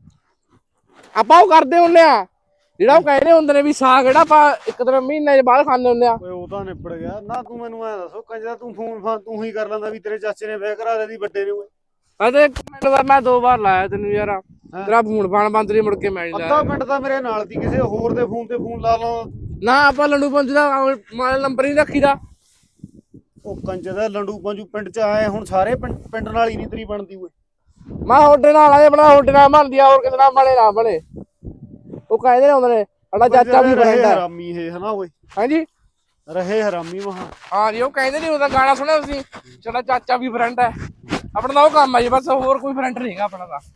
[SPEAKER 1] ਆਪਾਂ ਉਹ ਕਰਦੇ ਹੁੰਦੇ ਆ ਜਿਹੜਾ ਉਹ ਕਹਿੰਦੇ ਹੁੰਦੇ ਨੇ ਵੀ ਸਾਗ ਜਿਹੜਾ ਆਪਾਂ ਇੱਕ ਦਿਨ ਮਹੀਨੇ ਬਾਅਦ ਖਾਂਦੇ ਹੁੰਦੇ ਆ।
[SPEAKER 3] ਓਏ ਉਹ ਤਾਂ ਨਿਬੜ ਗਿਆ ਨਾ। ਤੂੰ ਮੈਨੂੰ ਐ ਦੱਸੋ ਕੰਜਰਾ, ਤੂੰ ਫੋਨ ਫਾਨ ਤੂੰ ਹੀ ਕਰ ਲੈਂਦਾ ਵੀ ਤੇਰੇ ਚਾਚੇ ਨੇ ਵਿਆਹ ਕਰਾ ਦਿੱਤੀ ਵੱਡੇ ਨੇ ਓਏ।
[SPEAKER 1] ਅਤੇ ਇੱਕ ਮਿੰਟ ਬਾਅਦ ਮੈਂ ਦੋ ਵਾਰ ਲਾਇਆ ਤੈਨੂੰ ਯਾਰ, ਤੇਰਾ ਫੋਨ ਫਾਨ ਬੰਦ ਨਹੀਂ ਮੁੜ ਕੇ ਮੈਂ ਨਹੀਂ
[SPEAKER 3] ਅੱਧਾ
[SPEAKER 1] ਲਾਇਆ।
[SPEAKER 3] ਮਿੰਟ ਤਾਂ ਮੇਰੇ ਨਾਲ ਦੀ ਕਿਸੇ ਹੋਰ ਦੇ ਫੋਨ ਤੇ ਫੋਨ ਲਾ ਲਾ।
[SPEAKER 1] ਨਾ ਆਪਾਂ ਲੰਡੂ ਪੰਜ ਦਾ ਮੋਬਾਈਲ ਨੰਬਰ ਨਹੀਂ ਰੱਖੀਦਾ।
[SPEAKER 3] ਉਹ ਕੰਜਰ ਦਾ ਲੰਡੂ ਪੰਜੂ ਪਿੰਡ ਚ ਆਏ ਹੁਣ ਸਾਰੇ ਪਿੰਡ ਪਿੰਡ ਨਾਲ ਹੀ ਨਹੀਂ ਤੇਰੀ ਬਣਦੀ ਓਏ।
[SPEAKER 1] ਮੈਂ ਹੋਡੇ ਨਾਲ ਆਏ ਬਣਾ, ਹੋਡੇ ਨਾਲ ਬਣਦੀ ਆ, ਹੋਰ ਕਿਸੇ ਨਾਲ ਬਣੇ ਨਾ ਬਣੇ। ਉਹ ਕਹਿੰਦੇ ਨੇ ਹੁੰਦੇ ਨੇ ਸਾਡਾ ਚਾਚਾ ਵੀ
[SPEAKER 3] ਰਹੇ
[SPEAKER 1] ਰਹਿੰਦਾ
[SPEAKER 3] ਹਰਾਮੀ ਇਹ ਹਨਾ ਓਏ,
[SPEAKER 1] ਹਾਂਜੀ।
[SPEAKER 3] ਰਹੇ ਹਰਾਮੀ ਮਹਾ।
[SPEAKER 1] ਹਾਂ ਜੀ ਉਹ ਕਹਿੰਦੇ ਨਹੀਂ ਉਹਦਾ ਗਾਣਾ ਸੁਣਿਆ ਤੁਸੀਂ, ਸਾਡਾ ਚਾਚਾ ਵੀ ਫਰੈਂਡ ਹੈ। ਆਪਣਾ ਤਾਂ ਉਹ ਕੰਮ ਹੈ ਜੀ, ਬਸ ਹੋਰ ਕੋਈ ਫਰੈਂਡ ਨਹੀਂ ਹੈਗਾ ਆਪਣਾ ਤਾਂ।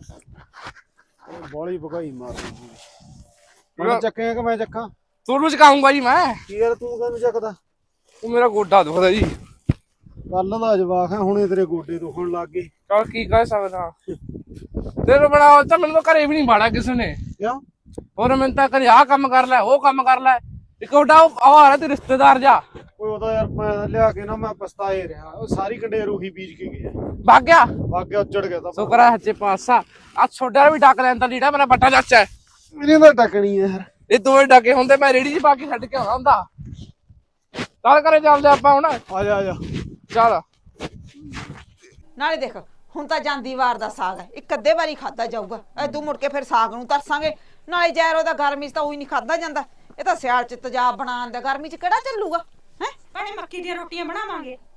[SPEAKER 3] ਬੋਲੀ ਭਗਾਈ ਮਾਰਦੀ ਮੈਂ ਚੱਕਿਆ ਕਿ ਮੈਂ ਚੱਕਾਂ?
[SPEAKER 1] ਤੁਹਾਨੂੰ ਚਕਾਉਂਗਾ ਜੀ ਮੈਂ।
[SPEAKER 3] ਕੀ ਯਾਰ ਤੂੰ ਕਹਿੰਦਾ ਚੱਕਦਾ?
[SPEAKER 1] ਉਹ ਮੇਰਾ ਗੋਡਾ ਦੁਖਦਾ ਜੀ।
[SPEAKER 3] ਕੱਲ ਦਾ ਜਵਾਕ ਹੈ, ਹੁਣੇ ਤੇਰੇ ਗੋਡੇ ਦੁਖਣ ਲੱਗ ਗਏ।
[SPEAKER 1] ਚਲ ਕੀ ਕਹਿ ਸਕਦਾ, ਤੇਰੇ ਬਣਾ ਤਾਂ ਮੈਨੂੰ ਤਾਂ ਘਰੇ ਵੀ ਨਹੀਂ ਬਾੜਾ ਕਿਸੇ ਨੇ।
[SPEAKER 3] ਕਿਉਂ?
[SPEAKER 1] ਹੋਰ ਮੈਨੂੰ ਤਾਂ ਕਦੇ ਆਹ ਕੰਮ ਕਰ ਲੈ, ਉਹ ਕੰਮ ਕਰ ਲੈ। ਇੱਕ ਵੱਡਾ ਉਹ ਆ ਰਿਹਾ ਤੇ ਰਿਸ਼ਤੇਦਾਰ ਜਾ
[SPEAKER 3] ਓਏ ਉਹਦਾ ਯਾਰ ਮੈਂ ਲਿਆ ਕੇ ਨਾ ਮੈਂ ਪਛਤਾਏ ਰਿਹਾ। ਉਹ ਸਾਰੀ ਕੰਡੇ ਰੂਹੀ ਬੀਜ ਕੇ ਗਿਆ,
[SPEAKER 1] ਭੱਗ ਗਿਆ।
[SPEAKER 3] ਬਾਗਿਆ ਉੱਜੜ ਗਿਆ ਤਾਂ।
[SPEAKER 1] ਸ਼ੁਕਰ ਹੈ ਹੱਚੇ ਪਾਸਾ ਆ ਛੋਡਾ ਵੀ ਡੱਕ ਲੈਂਦਾ ਲੀੜਾ, ਮੇਰਾ ਵੱਡਾ ਚਾਚਾ ਹੈ।
[SPEAKER 3] ਮੇਰੇ ਤਾਂ ਟਕਣੀ ਹੈ ਯਾਰ।
[SPEAKER 1] ਇਹ ਦੋਵੇਂ ਡਾਕੇ ਹੁੰਦੇ ਮੈਂ ਰੇੜੀ 'ਚ ਪਾ ਕੇ ਛੱਡ ਕੇ ਆਉਣਾ ਹੁੰਦਾ। ਚੱਲ ਘਰੇ ਚੱਲਦੇ ਆਪਾਂ ਹੁਣ।
[SPEAKER 3] ਆ ਜਾ ਆ ਜਾ।
[SPEAKER 1] ਚੱਲ
[SPEAKER 2] ਨਾਲੇ ਦੇਖ ਹੁਣ ਤਾਂ ਜਾਂਦੀ ਵਾਰ ਦਾ ਸਾਗ ਹੈ, ਇੱਕ ਅੱਧੇ ਵਾਰੀ ਖਾਦਾ ਜਾਊਗਾ। ਐਦੂ ਮੁੜ ਕੇ ਫਿਰ ਸਾਗ ਨੂੰ ਤਰਸਾਂਗੇ। ਨਾਲੇ ਜ਼ਹਿਰ ਉਹਦਾ ਗਰਮੀ 'ਚ ਤਾਂ ਉਹੀ ਨਹੀਂ ਖਾਦਾ ਜਾਂਦਾ। ਇਹ ਤਾਂ ਸਿਆਲ 'ਚ ਤੇਜ਼ਾਬ ਬਣਾਉਣ ਦਾ, ਗਰਮੀ 'ਚ ਕਿਹੜਾ ਚੱਲੂਗਾ ਹੈ।
[SPEAKER 5] ਭੈਣੇ ਮੱਕੀ ਦੀਆਂ ਰੋਟੀਆਂ ਬਣਾਵਾਂਗੇ।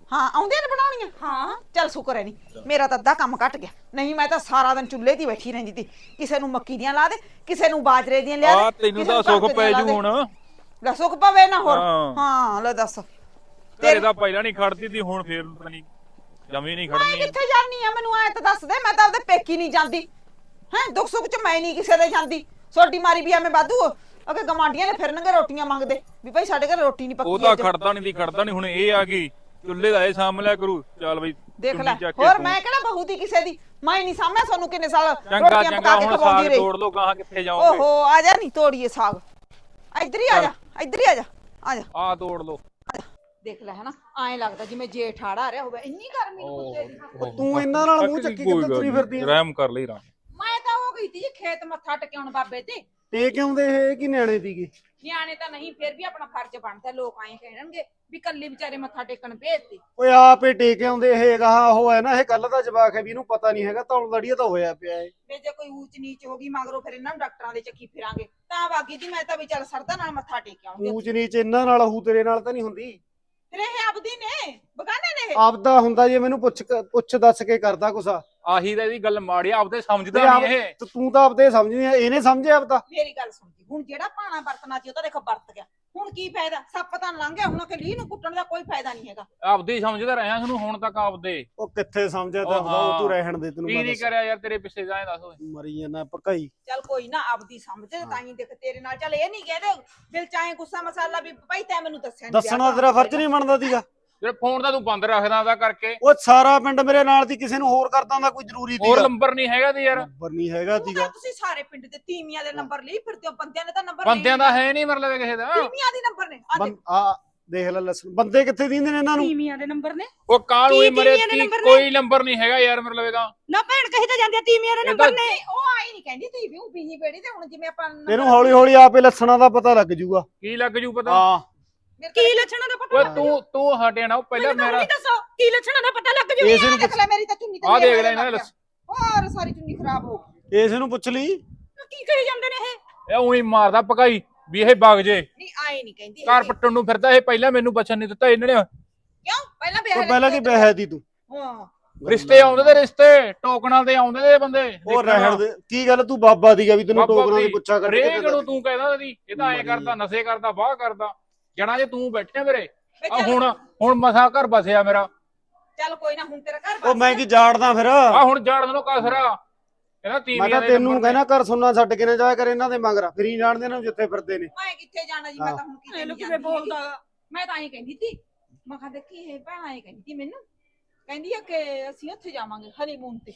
[SPEAKER 2] ਹਾਂ ਆਉਂਦੀਆਂ ਨੇ ਬਣਾਉਣੀਆਂ
[SPEAKER 5] ਹਾਂ
[SPEAKER 2] ਚੱਲ ਸ਼ੁਕਰ ਹੈ ਨਹੀਂ ਮੇਰਾ ਤਾਂ ਅੱਧਾ ਕੰਮ ਘਟ ਗਿਆ ਨਹੀਂ ਮੈਂ ਤਾਂ ਸਾਰਾ ਦਿਨ ਚੁੱਲ੍ਹੇ 'ਤੇ ਹੀ ਬੈਠੀ ਰਹਿੰਦੀ ਤੀ ਕਿਸੇ ਨੂੰ ਮੱਕੀ ਦੀਆਂ ਲਾ ਦੇ ਕਿਸੇ ਨੂੰ ਬਾਜਰੇ ਦੀਆਂ ਲਿਆ ਦੇ
[SPEAKER 4] ਆ ਤੈਨੂੰ
[SPEAKER 2] ਕਿਸੇ
[SPEAKER 4] ਤਾਂ
[SPEAKER 2] ਨੂੰ
[SPEAKER 4] ਸੁੱਖ
[SPEAKER 2] ਕਣਕ
[SPEAKER 4] ਪੈ
[SPEAKER 2] ਦੀਆਂ ਲਾ
[SPEAKER 4] ਜੂ
[SPEAKER 2] ਦੇ।
[SPEAKER 4] ਹੁਣ
[SPEAKER 2] ਲੈ ਸੁੱਖ ਪਵੇ ਨਾ ਹੋਰ
[SPEAKER 4] ਹਾਂ।
[SPEAKER 2] ਹਾਂ ਲੈ ਦੱਸ
[SPEAKER 4] ਘਰੇ ਤਾਂ ਪਹਿਲਾਂ ਨਹੀਂ ਖੜਦੀ ਤੀ ਹੁਣ ਫੇਰ ਪਤਾ ਨਹੀਂ ਜਮੀ ਨਹੀਂ
[SPEAKER 2] ਮੈਂ
[SPEAKER 4] ਖੜਨੀ
[SPEAKER 2] ਕਿੱਥੇ ਜਾਨੀ ਆ ਮੈਨੂੰ ਐ ਤਾਂ ਦੱਸ ਦੇ ਮੈਂ ਤਾਂ ਆਪਦੇ ਪੇਕੀ ਨਹੀਂ ਜਾਂਦੀ ਹੈ ਦੁੱਖ ਸੁੱਖ 'ਚ ਮੈਂ ਨਹੀਂ ਕਿਸੇ ਦੇ ਜਾਂਦੀ ਸੋਡੀ ਮਾਰੀ ਵੀ ਐਵੇਂ ਵਾਧੂ ਅਗੇ ਗਮਾਂਡੀਆਂ ਨੇ ਫਿਰਨਗੇ ਰੋਟੀਆਂ ਮੰਗਦੇ ਵੀ ਭਾਈ ਸਾਡੇ ਘਰ ਰੋਟੀ ਨਹੀਂ ਪੱਕੀ
[SPEAKER 4] ਉਹ ਤਾਂ
[SPEAKER 2] ਅੱਜ।
[SPEAKER 4] ਖੜਦਾ ਨਹੀਂ ਦੀ ਖੜਦਾ ਨਹੀਂ ਹੁਣ ਇਹ ਆ ਗਈ ਚੁੱਲ੍ਹੇ ਦਾ ਇਹ ਸਾਂਭ ਲਿਆ ਕਰੂ ਚੱਲ ਬਈ
[SPEAKER 2] ਦੇਖ
[SPEAKER 4] ਚੁੰਨੀ
[SPEAKER 2] ਲੈ
[SPEAKER 4] ਚੱਕ ਕੇ
[SPEAKER 2] ਹੋਰ
[SPEAKER 4] ਤੂੰ-
[SPEAKER 2] ਮੈਂ ਕਿਹੜਾ ਬਹੂ ਦੀ ਕਿਸੇ ਦੀ ਮੈਂ ਨਹੀਂ ਸਾਹਮਣੇ ਤੁਹਾਨੂੰ ਕਿੰਨੇ ਸਾਲ
[SPEAKER 4] ਚੰਗਾ
[SPEAKER 2] ਰੋਟੀਆਂ
[SPEAKER 4] ਚੰਗਾ
[SPEAKER 2] ਪਕਾ ਕੇ
[SPEAKER 4] ਹੁਣ
[SPEAKER 2] ਖਵਾਉਂਦੀ
[SPEAKER 4] ਸਾਗ
[SPEAKER 2] ਰਹੀ
[SPEAKER 4] ਤੋੜ ਲੋ ਗਾਹਾਂ ਕਿੱਥੇ ਜਾਓਗੇ
[SPEAKER 2] ਓਹੋ ਆ ਜਾ ਨਹੀਂ ਤੋੜੀਏ ਸਾਗ ਇੱਧਰ ਹੀ ਆ ਜਾ ਇੱਧਰ ਹੀ ਆ ਜਾ ਆ ਜਾ
[SPEAKER 4] ਆ ਤੋੜ ਲੋ
[SPEAKER 2] ਦੇਖ ਲੈ ਹਨਾ ਐਂ ਲੱਗਦਾ ਜਿਵੇਂ ਜੇਠ ਆੜਾ ਰਿਹਾ ਹੋਵੇ ਇੰਨੀ ਗਰਮੀ ਨੂੰ ਕੁੱਤੇ ਦੀ
[SPEAKER 3] ਤੂੰ ਇਹਨਾਂ ਨਾਲ ਮੂੰਹ ਚੱਕੀ ਕਿੱਦਾਂ ਤੁਰੀ ਫਿਰਦੀ ਆ?
[SPEAKER 4] ਰਹਿਮ ਕਰ ਲਈ ਰਾਮ
[SPEAKER 2] ਮੈਂ ਤਾਂ ਹੋ ਗਈ ਤੀ ਜੀ ਖੇਤ ਮੱਥਾ ਟਿਕਾਉਣ ਬਾਬੇ ਤੇ
[SPEAKER 3] ਤੇ ਕਿਉਂ ਦੇ ਇਹ ਕੀ ਨਿਆਣੇ ਦੀਗੇ
[SPEAKER 2] ਨਿਆਣੇ ਤਾਂ ਨਹੀਂ ਫਿਰ ਵੀ ਆਪਣਾ ਫਰਜ਼ ਬਣਦਾ ਲੋਕ ਐਂ ਕਹਿਣਗੇ ਵੀ ਕੱਲੀ ਵਿਚਾਰੇ ਮੱਥਾ ਟੇਕਣ ਭੇਜਤੀ
[SPEAKER 3] ਓਏ ਆਪੇ ਟੇਕ ਆਉਂਦੇ ਇਹ ਗਾਹਾਂ ਉਹ ਹੈ ਨਾ ਇਹ ਕੱਲ ਦਾ ਜਵਾਕ ਹੈ ਵੀ ਇਹਨੂੰ ਪਤਾ ਨਹੀਂ ਹੈਗਾ ਤੌਲ ਲੜੀਏ ਤਾਂ ਹੋਇਆ ਪਿਆ ਏ
[SPEAKER 2] ਵੀ ਜੇ ਕੋਈ ਊਚ ਨੀਚ ਹੋ ਗਈ ਮਗਰੋਂ ਫਿਰ ਇਹਨਾਂ ਨੂੰ ਡਾਕਟਰਾਂ ਦੇ ਚੱਕੀ ਫਿਰਾਂਗੇ ਤਾਂ ਬਾਗੀ ਜੀ ਮੈਂ ਤਾਂ ਵੀ ਚੱਲ ਸਰਦਾ ਨਾਲ ਮੱਥਾ ਟੇਕ ਆਉਂਗੀ
[SPEAKER 3] ਊਚ ਨੀਚ ਇਹਨਾਂ ਨਾਲ ਹੂ ਤੇਰੇ ਨਾਲ ਤਾਂ ਨਹੀਂ ਹੁੰਦੀ
[SPEAKER 2] ਫਿਰ ਇਹ ਆਪਦੀ ਨੇ ਬਗਾਨੇ ਨੇ ਇਹ
[SPEAKER 3] ਆਪਦਾ ਹੁੰਦਾ ਜੇ ਮੈਨੂੰ ਪੁੱਛ ਕੇ- ਪੁੱਛ ਦੱਸ ਕੇ ਕਰਦਾ ਕੁਛ
[SPEAKER 4] ਆਹੀ ਤਾਂ ਇਹਦੀ ਗੱਲ ਮਾੜੀ ਆ, ਆਪਦੇ ਸਮਝਦਾ
[SPEAKER 3] ਤੇ ਆਪ-
[SPEAKER 4] ਨਹੀਂ ਇਹ
[SPEAKER 3] ਤੇ ਤੂੰ ਤਾਂ ਆਪਦੇ ਸਮਝਦੀ ਆ ਇਹਨੇ ਸਮਝਿਆ ਆਪਦਾ
[SPEAKER 2] ਮੇਰੀ ਗੱਲ ਸੁਣ ਜੀ ਹੁਣ ਜਿਹੜਾ ਪਾਣਾ ਵਰਤਣਾ ਸੀ ਉਹ ਤਾਂ ਦੇਖੋ ਵਰਤ ਗਿਆ ਹੁਣ ਕੀ ਫਾਇਦਾ ਸੱਪ ਤਾਂ ਲੰਘ ਗਿਆ ਹੁਣ ਕਿ ਲੀਹ ਨੂੰ ਕੁੱਟਣ ਦਾ ਕੋਈ ਫਾਇਦਾ ਨਹੀਂ ਹੈਗਾ
[SPEAKER 4] ਆਪਦੇ ਹੀ ਸਮਝਦਾ ਰਿਹਾ ਤੁਹਾਨੂੰ ਹੁਣ ਤੱਕ ਆਪਦੇ
[SPEAKER 3] ਉਹ ਕਿੱਥੇ ਸਮਝਿਆ ਤਾਂ
[SPEAKER 4] ਉਹ
[SPEAKER 3] ਆਪਦਾ ਉਹ
[SPEAKER 4] ਹਾਂ।
[SPEAKER 3] ਤੂੰ ਰਹਿਣ ਦੇ ਤੈਨੂੰ
[SPEAKER 4] ਕੀ
[SPEAKER 3] ਮੈਂ
[SPEAKER 4] ਨਹੀਂ
[SPEAKER 3] ਦੱਸਾਂ।
[SPEAKER 4] ਕਰਿਆ ਯਾਰ ਤੇਰੇ ਪਿੱਛੇ ਜਾਏ ਦੱਸ ਓਏ
[SPEAKER 3] ਮਰੀ ਜਾਂਦਾ ਭਕਾਈ
[SPEAKER 2] ਚੱਲ ਕੋਈ ਨਾ ਆਪਦੀ ਸਮਝ ਤਾਂ ਹੀ ਦੇਖ ਤੇਰੇ ਨਾਲ ਚੱਲ ਇਹ ਨਹੀਂ ਕਹਦੇ ਦਿਲ ਚਾਹੇ ਗੁੱਸਾ ਮਸਾਲਾ ਵੀ ਭਾਈ ਤੈਂ ਮੈਨੂੰ ਦੱਸਿਆ ਨੀ
[SPEAKER 3] ਦੱਸਣਾ ਤੇਰਾ ਫਰਜ਼ ਨਹੀਂ ਬਣਦਾ ਸੀਗਾ
[SPEAKER 4] ਤੇਰੇ ਫੋਨ ਤਾਂ ਤੂੰ ਬੰਦ ਰੱਖਦਾ ਉਹਦਾ ਕਰਕੇ
[SPEAKER 3] ਉਹ ਸਾਰਾ ਪਿੰਡ ਮੇਰੇ ਨਾਲ ਦੀ ਕਿਸੇ ਨੂੰ ਹੋਰ ਕਰਦਾ ਹੁੰਦਾ ਕੋਈ ਜ਼ਰੂਰੀ
[SPEAKER 4] ਹੋਰ
[SPEAKER 3] ਸੀਗਾ
[SPEAKER 4] ਨੰਬਰ ਨਹੀਂ ਹੈਗਾ ਤੇ ਯਾਰ
[SPEAKER 3] ਨੰਬਰ ਨਹੀਂ ਹੈਗਾ
[SPEAKER 2] ਤੂੰ
[SPEAKER 3] ਸੀਗਾ
[SPEAKER 2] ਤਾਂ ਤੁਸੀਂ ਸਾਰੇ ਪਿੰਡ ਦੇ ਤੀਵੀਆਂ ਦੇ ਨੰਬਰ ਲਈ ਫਿਰਦੇ ਹੋ ਬੰਦਿਆਂ ਦੇ ਤਾਂ ਨੰਬਰ
[SPEAKER 4] ਬੰਦਿਆਂ ਦਾ ਹੈ ਨਹੀਂ ਮਤਲਬ ਕਿਸੇ ਦਾ
[SPEAKER 2] ਤੀਵੀਆਂ ਦੇ ਨੰਬਰ ਨੇ ਆ
[SPEAKER 3] ਬੰ- ਆ ਦੇਖ ਲੈ ਲਸਣ ਬੰਦੇ ਕਿੱਥੇ ਦਿੰਦੇ ਨੇ ਇਹਨਾਂ ਨੂੰ
[SPEAKER 5] ਤੀਵੀਆਂ ਦੇ ਨੰਬਰ ਨੇ
[SPEAKER 4] ਉਹ ਕਾਲੂ ਹੀ
[SPEAKER 5] ਕੀ
[SPEAKER 4] ਮਰੇ
[SPEAKER 5] ਤੀਵੀਆਂ ਦੇ
[SPEAKER 4] ਤੀ-
[SPEAKER 5] ਨੰਬਰ ਨੇ?
[SPEAKER 4] ਕੋਈ ਨੰਬਰ ਨਹੀਂ ਹੈਗਾ ਯਾਰ ਮਤਲਬ ਇਹਦਾ
[SPEAKER 5] ਨਾ ਭੈਣ ਕਹੀ ਤਾਂ ਜਾਂਦੀ ਆ ਤੀਵੀਆਂ ਦੇ
[SPEAKER 4] ਇਹ
[SPEAKER 5] ਨੰਬਰ
[SPEAKER 4] ਤਾਂ-
[SPEAKER 5] ਨੇ
[SPEAKER 2] ਨਹੀਂ ਉਹ ਆਈ ਨਹੀਂ ਕਹਿੰਦੀ ਤੀਵੀ ਉਹ ਬੀਹੀ ਬੇੜੀ ਤੇ ਹੁਣ ਜਿਵੇਂ ਆਪਾਂ number-
[SPEAKER 3] ਇਹਨੂੰ ਹੌਲੀ ਹੌਲੀ ਆਪੇ ਲੱਛਣਾਂ ਦਾ ਪਤਾ ਲੱਗ ਜੂਗਾ
[SPEAKER 4] ਕੀ ਲੱਗ ਜੂ ਪਤਾ
[SPEAKER 3] ਹਾਂ
[SPEAKER 2] ਮੇਰੇ
[SPEAKER 5] ਕੀ
[SPEAKER 2] ਤਾਂ-
[SPEAKER 5] ਲੱਛਣਾਂ ਦਾ ਪਤਾ
[SPEAKER 4] ਓਏ
[SPEAKER 5] ਲੱਗ
[SPEAKER 4] ਤੂੰ ਤੂੰ ਹਟਿਆ ਨਾ ਉਹ ਪਹਿਲਾਂ
[SPEAKER 5] ਮੈਨੂੰ ਤਾਂ
[SPEAKER 4] ਮੇਰਾ
[SPEAKER 5] ਹੁਣੀ ਦੱਸੋ ਕੀ ਲੱਛਣਾਂ ਦਾ ਪਤਾ ਲੱਗ ਜੂ
[SPEAKER 3] ਇਸ ਨੂੰ
[SPEAKER 2] ਦੇਖ ਲੈ ਮੇਰੀ ਤਾਂ ਚੁੰਨੀ ਤੇ
[SPEAKER 4] ਆਹ ਦੇਖ
[SPEAKER 2] ਮੇਰੇ
[SPEAKER 4] ਲੈ ਇਹਨਾਂ
[SPEAKER 2] ਲੱਗ
[SPEAKER 4] ਦੇ
[SPEAKER 2] ਗਿਆ। ਹੋਰ ਸਾਰੀ ਚੁੰਨੀ ਖਰਾਬ ਹੋ ਗਈ
[SPEAKER 3] ਇਸ ਨੂੰ ਪੁੱਛ ਲਈ
[SPEAKER 5] ਕੀ ਕਹੀ ਜਾਂਦੇ ਨੇ ਇਹ
[SPEAKER 4] ਇਹ ਉਹੀ ਮਾਰਦਾ ਪਕਾਈ ਵੀ ਇਹ ਵਗ ਜੇ
[SPEAKER 2] ਨਹੀਂ ਆਏ ਨਹੀਂ ਕਹਿੰਦੀ
[SPEAKER 4] ਘਰ
[SPEAKER 2] ਹੈਗੀ।
[SPEAKER 4] ਪੱਟਣ ਨੂੰ ਫਿਰਦਾ ਇਹ ਪਹਿਲਾਂ ਮੈਨੂੰ ਬਚਨ ਨਹੀਂ ਦਿੱਤਾ ਇਹਨਾਂ ਨੇ
[SPEAKER 2] ਕਿਉਂ ਪਹਿਲਾਂ
[SPEAKER 3] ਉਹ
[SPEAKER 2] ਵਿਆਹ
[SPEAKER 3] ਪਹਿਲਾਂ ਕੀ ਬਹਿ ਦੀ ਤੂੰ
[SPEAKER 2] ਹਾਂ
[SPEAKER 4] ਰਿਸ਼ਤੇ ਆਉਂਦੇ ਤੇ ਰਿਸ਼ਤੇ ਟੋਕਣਾਂ ਤੇ ਆਉਂਦੇ ਤੇ ਬੰਦੇ
[SPEAKER 3] ਉਹ ਰਹਿਣ ਦੇ ਕੀ ਗੱਲ ਤੂੰ ਬਾਬਾ ਦੀਗਾ ਵੀ ਤੈਨੂੰ ਟੋਕਰਾਂ ਦੀ ਪੁੱਛਾ ਕਰ
[SPEAKER 4] ਰੇਗ ਨੂੰ ਤੂੰ ਕਹਿੰਦਾ ਦੀ ਇਹ ਤਾਂ ਐ ਕਰਦਾ ਨਸ਼ੇ ਕਰਦਾ ਬਾਹ ਕਰਦਾ ਜਣਾ ਜੇ ਤੂੰ ਬੈਠਿਆ ਮੇਰੇ
[SPEAKER 2] ਵੇ
[SPEAKER 4] ਆ
[SPEAKER 2] ਚੱਲ-
[SPEAKER 4] ਹੁਣ ਹੁਣ ਮਸਾ ਘਰ ਬਸਿਆ ਮੇਰਾ
[SPEAKER 2] ਚੱਲ ਕੋਈ ਨਾ ਹੁਣ ਤੇਰਾ ਘਰ
[SPEAKER 3] ਉਹ ਮੈਂ ਕੀ ਜਾੜਦਾ ਫਿਰ
[SPEAKER 4] ਆ ਹੁਣ ਜਾਣ ਨੂੰ ਕਸਰਾ ਕਹਿੰਦਾ
[SPEAKER 3] ਮੈਂ
[SPEAKER 4] ਤੀਵੀਆਂ
[SPEAKER 3] ਤਾਂ
[SPEAKER 4] ਦੇ
[SPEAKER 3] ਤੈਨੂੰ
[SPEAKER 4] ਨੰਬਰ
[SPEAKER 3] ਕਹਿਣਾ ਘਰ ਸੁਣਨਾ ਛੱਡ ਕੇ ਨਾ ਜਾਇਆ ਕਰ ਇਹਨਾਂ ਦੇ ਮਗਰ ਫਿਰ ਹੀ ਜਾਣਦੇ ਨੇ ਜਿੱਥੇ ਫਿਰਦੇ ਨੇ
[SPEAKER 2] ਮੈਂ ਕਿੱਥੇ ਜਾਣਾ ਜੀ ਮੈਂ ਤਾਂ ਹੁਣ ਕਿਤੇ
[SPEAKER 5] ਇਹਨੂੰ
[SPEAKER 2] ਨਹੀਂ
[SPEAKER 5] ਕਿਵੇਂ
[SPEAKER 2] ਜਾਂਦੀ ਹੈਗੀ।
[SPEAKER 5] ਬੋਲਦਾ ਗਾ?
[SPEAKER 2] ਮੈਂ ਤਾਂ ਐਂ ਕਹਿੰਦੀ ਸੀ ਮੈਂ ਕਿਹਾ ਦੇਖੀ ਇਹ ਭੈਣ ਐਂ ਕਹਿੰਦੀ ਸੀ ਮੈਨੂੰ ਕਹਿੰਦੀ ਆ ਕਿ ਅਸੀਂ ਉੱਥੇ ਜਾਵਾਂਗੇ ਹਨੀਮੂਨ ਤੇ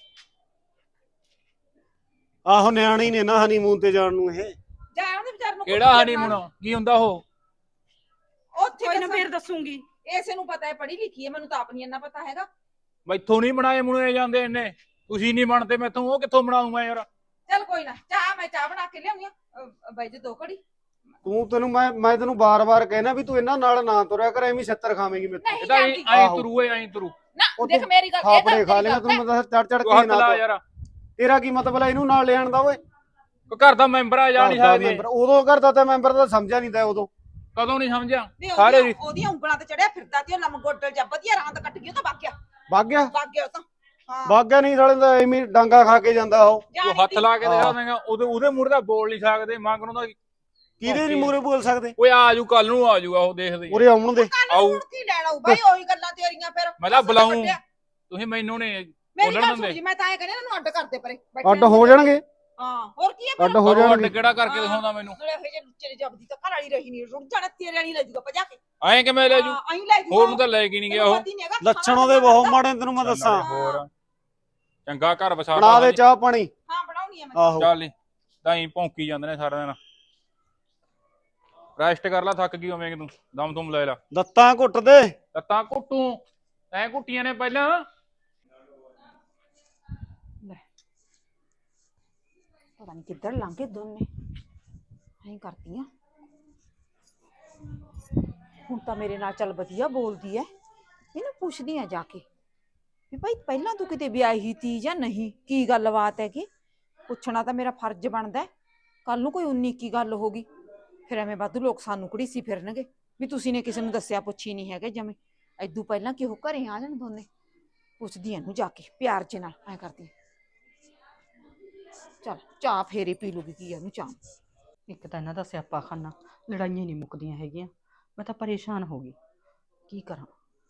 [SPEAKER 3] ਆਹੋ ਨਿਆਣੇ ਹੀ ਨੇ ਨਾ ਹਨੀਮੂਨ ਤੇ ਜਾਣ ਨੂੰ ਇਹ
[SPEAKER 2] ਜਾ ਉਹਦੇ ਵਿਚਾਰ ਨੂੰ
[SPEAKER 4] ਕਿਹੜਾ ਹਨੀਮੂਨ ਕੀ ਹੁੰਦਾ ਉਹ
[SPEAKER 2] ਉੱਥੇ
[SPEAKER 5] ਕੋਈ ਨਾ
[SPEAKER 2] ਦੱਸਾਂ।
[SPEAKER 5] ਫੇਰ ਦੱਸੂਗੀ
[SPEAKER 2] ਇਸੇ ਨੂੰ ਪਤਾ ਹੈ ਪੜ੍ਹੀ ਲਿਖੀ ਹੈ ਮੈਨੂੰ ਤਾਂ ਆਪ ਨਹੀਂ ਇੰਨਾ ਪਤਾ ਹੈਗਾ
[SPEAKER 4] ਮੈਥੋਂ ਨਹੀਂ ਬਣਾਏ ਮੁਣੇ ਜਾਂਦੇ ਇੰਨੇ ਤੁਸੀਂ ਨਹੀਂ ਬਣਦੇ ਮੈਥੋਂ ਉਹ ਕਿੱਥੋਂ ਬਣਾਉਂਗਾ ਯਾਰ
[SPEAKER 2] ਚੱਲ ਕੋਈ ਨਾ ਚਾਹ ਮੈਂ ਚਾਹ ਬਣਾ ਕੇ ਲਿਆਉਣੀ ਆ ਬਾਈ ਜੀ ਦੋ ਘੜੀ
[SPEAKER 3] ਤੂੰ ਤੈਨੂੰ ਮੈਂ ਮੈਂ ਤੈਨੂੰ ਬਾਰ-ਬਾਰ ਕਹਿਣਾ ਵੀ ਤੂੰ ਇਹਨਾਂ ਨਾਲ ਨਾ ਤੁਰਿਆ ਕਰ ਐਵੇਂ ਛੱਤਰ ਖਾਵੇਂਗੀ ਮੇਰੇ
[SPEAKER 2] ਨਹੀਂ
[SPEAKER 4] ਇਹ ਤਾਂ
[SPEAKER 2] ਜਾਂਦੀ
[SPEAKER 4] ਐਂ
[SPEAKER 3] ਆਹੋ।
[SPEAKER 4] ਤੁਰੂ ਐਂ ਤੁਰੂ
[SPEAKER 2] ਨਾ
[SPEAKER 3] ਉਹ
[SPEAKER 2] ਦੇਖ
[SPEAKER 3] ਤੂੰ
[SPEAKER 2] ਮੇਰੀ ਗੱਲ ਇਹ
[SPEAKER 3] ਥਾਪੜੇ
[SPEAKER 2] ਤਾਂ
[SPEAKER 3] ਖਾ
[SPEAKER 2] ਮੇਰੀ
[SPEAKER 3] ਲੇਗਾ
[SPEAKER 2] ਗੱਲ
[SPEAKER 3] ਤੈਨੂੰ ਮੈਂ ਚੜ ਚੜ
[SPEAKER 4] ਤੂੰ
[SPEAKER 3] ਕੇ
[SPEAKER 4] ਹੱਥ
[SPEAKER 3] ਨਾ
[SPEAKER 4] ਲਾ
[SPEAKER 3] ਤੁਰ।
[SPEAKER 4] ਯਾਰ
[SPEAKER 3] ਤੇਰਾ ਕੀ ਮਤਲਬ ਹੈ ਇਹਨੂੰ ਨਾਲ ਲਿਆਣ ਦਾ ਓਏ
[SPEAKER 4] ਕੋਈ ਘਰ ਦਾ ਮੈਂਬਰ ਆ ਜਾ ਨਹੀਂ
[SPEAKER 3] ਘਰ ਦਾ
[SPEAKER 4] ਸਕਦੀ
[SPEAKER 3] ਮੈਂਬਰ ਉਦੋਂ ਕਰਦਾ ਤਾਂ ਮੈਂਬਰ ਦਾ ਸਮਝਿਆ ਨਹੀਂ ਤਾ ਉਦੋਂ
[SPEAKER 4] ਕਦੋਂ ਨਹੀਂ ਸਮਝਿਆ
[SPEAKER 2] ਨਹੀਂ,
[SPEAKER 4] ਸਾਰੇ
[SPEAKER 2] ਉਹਦੀਆਂ- ਉਹਦੀਆਂ ਉਂਗਲਾਂ ਤੇ ਚੜਿਆ ਫਿਰਦਾ ਤੇ ਉਹ ਲੰਮ ਗੋਡਲ ਜਾਂ ਵਧੀਆ ਰਾਂਦ ਕੱਟ ਗਈ ਉਹ ਤਾਂ ਵਗ ਗਿਆ
[SPEAKER 3] ਵਗ ਗਿਆ
[SPEAKER 2] ਵਗ ਗਿਆ ਉਹ ਤਾਂ ਹਾਂ
[SPEAKER 3] ਵਗ ਗਿਆ ਨਹੀਂ ਸਾਲੇ ਦਾ ਐਵੇਂ ਹੀ ਡਾਂਗਾ ਖਾ ਕੇ ਜਾਂਦਾ ਉਹ
[SPEAKER 4] ਤੂੰ
[SPEAKER 2] ਜਾਣੀ
[SPEAKER 4] ਹੱਥ
[SPEAKER 2] ਤੀ।
[SPEAKER 4] ਲਾ ਕੇ ਦਿਖਾ
[SPEAKER 3] ਹਾਂ।
[SPEAKER 4] ਦੇਗਾ ਉਹਦੇ ਉਹਦੇ ਮੂਹਰੇ ਦਾ ਬੋਲ ਨਹੀਂ ਸਕਦੇ ਮੰਗਣੋਂ ਦਾ
[SPEAKER 3] ਕਿਹਦੇ ਨਹੀਂ ਮੂਰੇ ਬੋਲ ਸਕਦੇ
[SPEAKER 4] ਓਏ ਆ ਜੂ ਕੱਲ ਨੂੰ ਆ ਜੂਗਾ ਉਹ ਦੇਖਦੇ
[SPEAKER 3] ਉਰੇ ਆਉਣ ਦੇ
[SPEAKER 2] ਕੱਲ
[SPEAKER 4] ਆਊ।
[SPEAKER 2] ਹੁਣ ਕੀ ਲੈਣਾ ਉਹ ਬਾਈ ਉਹੀ ਗੱਲਾਂ ਤੇਰੀਆਂ ਫਿਰ
[SPEAKER 4] ਮੈਂ ਤਾਂ
[SPEAKER 2] ਉਸ ਤੋਂ
[SPEAKER 4] ਬੁਲਾਊਂ।
[SPEAKER 2] ਵੱਡਿਆ।
[SPEAKER 4] ਤੁਸੀਂ ਮੈਨੂੰ ਨੇ
[SPEAKER 2] ਮੇਰੀ
[SPEAKER 4] ਬੋਲਣ
[SPEAKER 2] ਗੱਲ
[SPEAKER 4] ਦਿੰਦੇ।
[SPEAKER 2] ਸੁਣ ਜੀ ਮੈਂ ਤਾਂ ਇਹ ਕਹਿੰਦੀ ਇਹਨਾਂ ਨੂੰ ਅੱਡ ਕਰਦੇ ਪਰੇ ਬੈਠੇ
[SPEAKER 3] ਅੱਡ ਹੋ ਜਾਣਗੇ
[SPEAKER 2] ਹਾਂ ਹੋਰ ਕੀ ਹੈ
[SPEAKER 3] ਅੱਡ ਹੋ
[SPEAKER 4] ਕਰੋ ਅੱਡ
[SPEAKER 3] ਜਾਣਗੇ
[SPEAKER 4] ਕਿਹੜਾ ਕਰਕੇ ਦਿਖਾਉਂਦਾ ਮੈਨੂੰ
[SPEAKER 2] ਨਾਲੇ ਇਹ ਜੇ ਲੁੱਚੇ ਜਬਦੀ ਤਾਂ ਘਰ ਵਾਲੀ ਰਹੀ ਨਹੀਂ ਰੁੜ ਜਾਣਾ ਤੇਰੇ ਵਾਲੀ ਲੈ ਜੂਗਾ ਭਜਾ ਕੇ
[SPEAKER 4] ਐਂ ਕਿਵੇਂ ਲੈ ਜੂ
[SPEAKER 2] ਹਾਂ ਐਂ ਲੈ ਜੂਗਾ
[SPEAKER 4] ਹੋਰ ਨੂੰ ਤਾਂ ਲੈ ਕੇ ਨਹੀਂ ਗਿਆ ਉਹ
[SPEAKER 3] ਲੱਛਣ ਉਹਦੇ ਬਹੁਤ ਮਾੜੇ ਨੇ, ਤੈਨੂੰ ਮੈਂ ਦੱਸਾਂ
[SPEAKER 4] ਹੋਰ ਚੰਗਾ ਘਰ ਵਸਾ
[SPEAKER 3] ਬਣਾ ਦੇ ਚਾਹ ਪਾਣੀ
[SPEAKER 2] ਹਾਂ ਬਣਾਉਣੀ ਆ ਮੈਂ
[SPEAKER 3] ਆਹੋ
[SPEAKER 4] ਚੱਲ ਤਾਂ ਹੀ ਭੌਂਕੀ ਜਾਂਦੇ ਨੇ ਸਾਰਾ ਦਿਨ ਰੈਸਟ ਕਰ ਲੈ ਥੱਕ ਗਈ ਹੋਵੇਂਗੀ ਤੂੰ ਦਮ ਤੁਮ ਲੈ ਲੈ
[SPEAKER 3] ਲੱਤਾਂ ਘੁੱਟ ਦੇ
[SPEAKER 4] ਲੱਤਾਂ ਘੁੱਟੂ ਐ ਘੁੱਟੀਆਂ ਨੇ ਪਹਿਲਾਂ
[SPEAKER 2] ਪਤਾ ਨਹੀਂ ਕਿੱਧਰ ਲੰਘੇ ਦੋਨੇ ਐਂ ਕਰਦੀਆਂ ਹੁਣ ਤਾਂ ਮੇਰੇ ਨਾਲ ਚੱਲ ਵਧੀਆ ਬੋਲਦੀ ਐ ਇਹਨੂੰ ਪੁੱਛਦੀ ਆ ਜਾ ਕੇ ਵੀ ਭਾਈ ਪਹਿਲਾਂ ਤੂੰ ਕਿਤੇ ਵਿਆਹੀ ਤੀ ਜਾਂ ਨਹੀਂ ਕੀ ਗੱਲਬਾਤ ਹੈ ਕਿ ਪੁੱਛਣਾ ਤਾਂ ਮੇਰਾ ਫਰਜ਼ ਬਣਦਾ ਕੱਲ ਨੂੰ ਕੋਈ ਉਨੀ ਕੀ ਗੱਲ ਹੋ ਗਈ ਫਿਰ ਐਵੇਂ ਵਾਧੂ ਲੋਕ ਸਾਨੂੰ ਘੜੀਸੀ ਫਿਰਨਗੇ ਵੀ ਤੁਸੀਂ ਨੇ ਕਿਸੇ ਨੂੰ ਦੱਸਿਆ ਪੁੱਛੀ ਨਹੀਂ ਹੈਗੇ ਜਮੇ ਐਦੂ ਪਹਿਲਾਂ ਕਿ ਉਹ ਘਰੇ ਆ ਜਾਣ ਦੋਨੇ। ਪੁੱਛਦੀ ਇਹਨੂੰ ਜਾ ਕੇ ਪਿਆਰ ਚ ਨਾਲ ਐ ਕਰਦੀ ਚੱਲ ਚਾਹ ਫੇਰੇ ਪੀ ਲੂਗੀ ਕੀ ਇਹਨੂੰ ਚਾਹ।
[SPEAKER 5] ਇੱਕ ਤਾਂ ਇਹਨਾਂ ਦਾ ਸਿਆਪਾ ਖਾਨਾ, ਲੜਾਈਆਂ ਨਹੀਂ ਮੁੱਕਦੀਆਂ ਹੈਗੀਆਂ। ਮੈਂ ਤਾਂ ਪਰੇਸ਼ਾਨ ਹੋ ਗਈ, ਕੀ ਕਰਾਂ।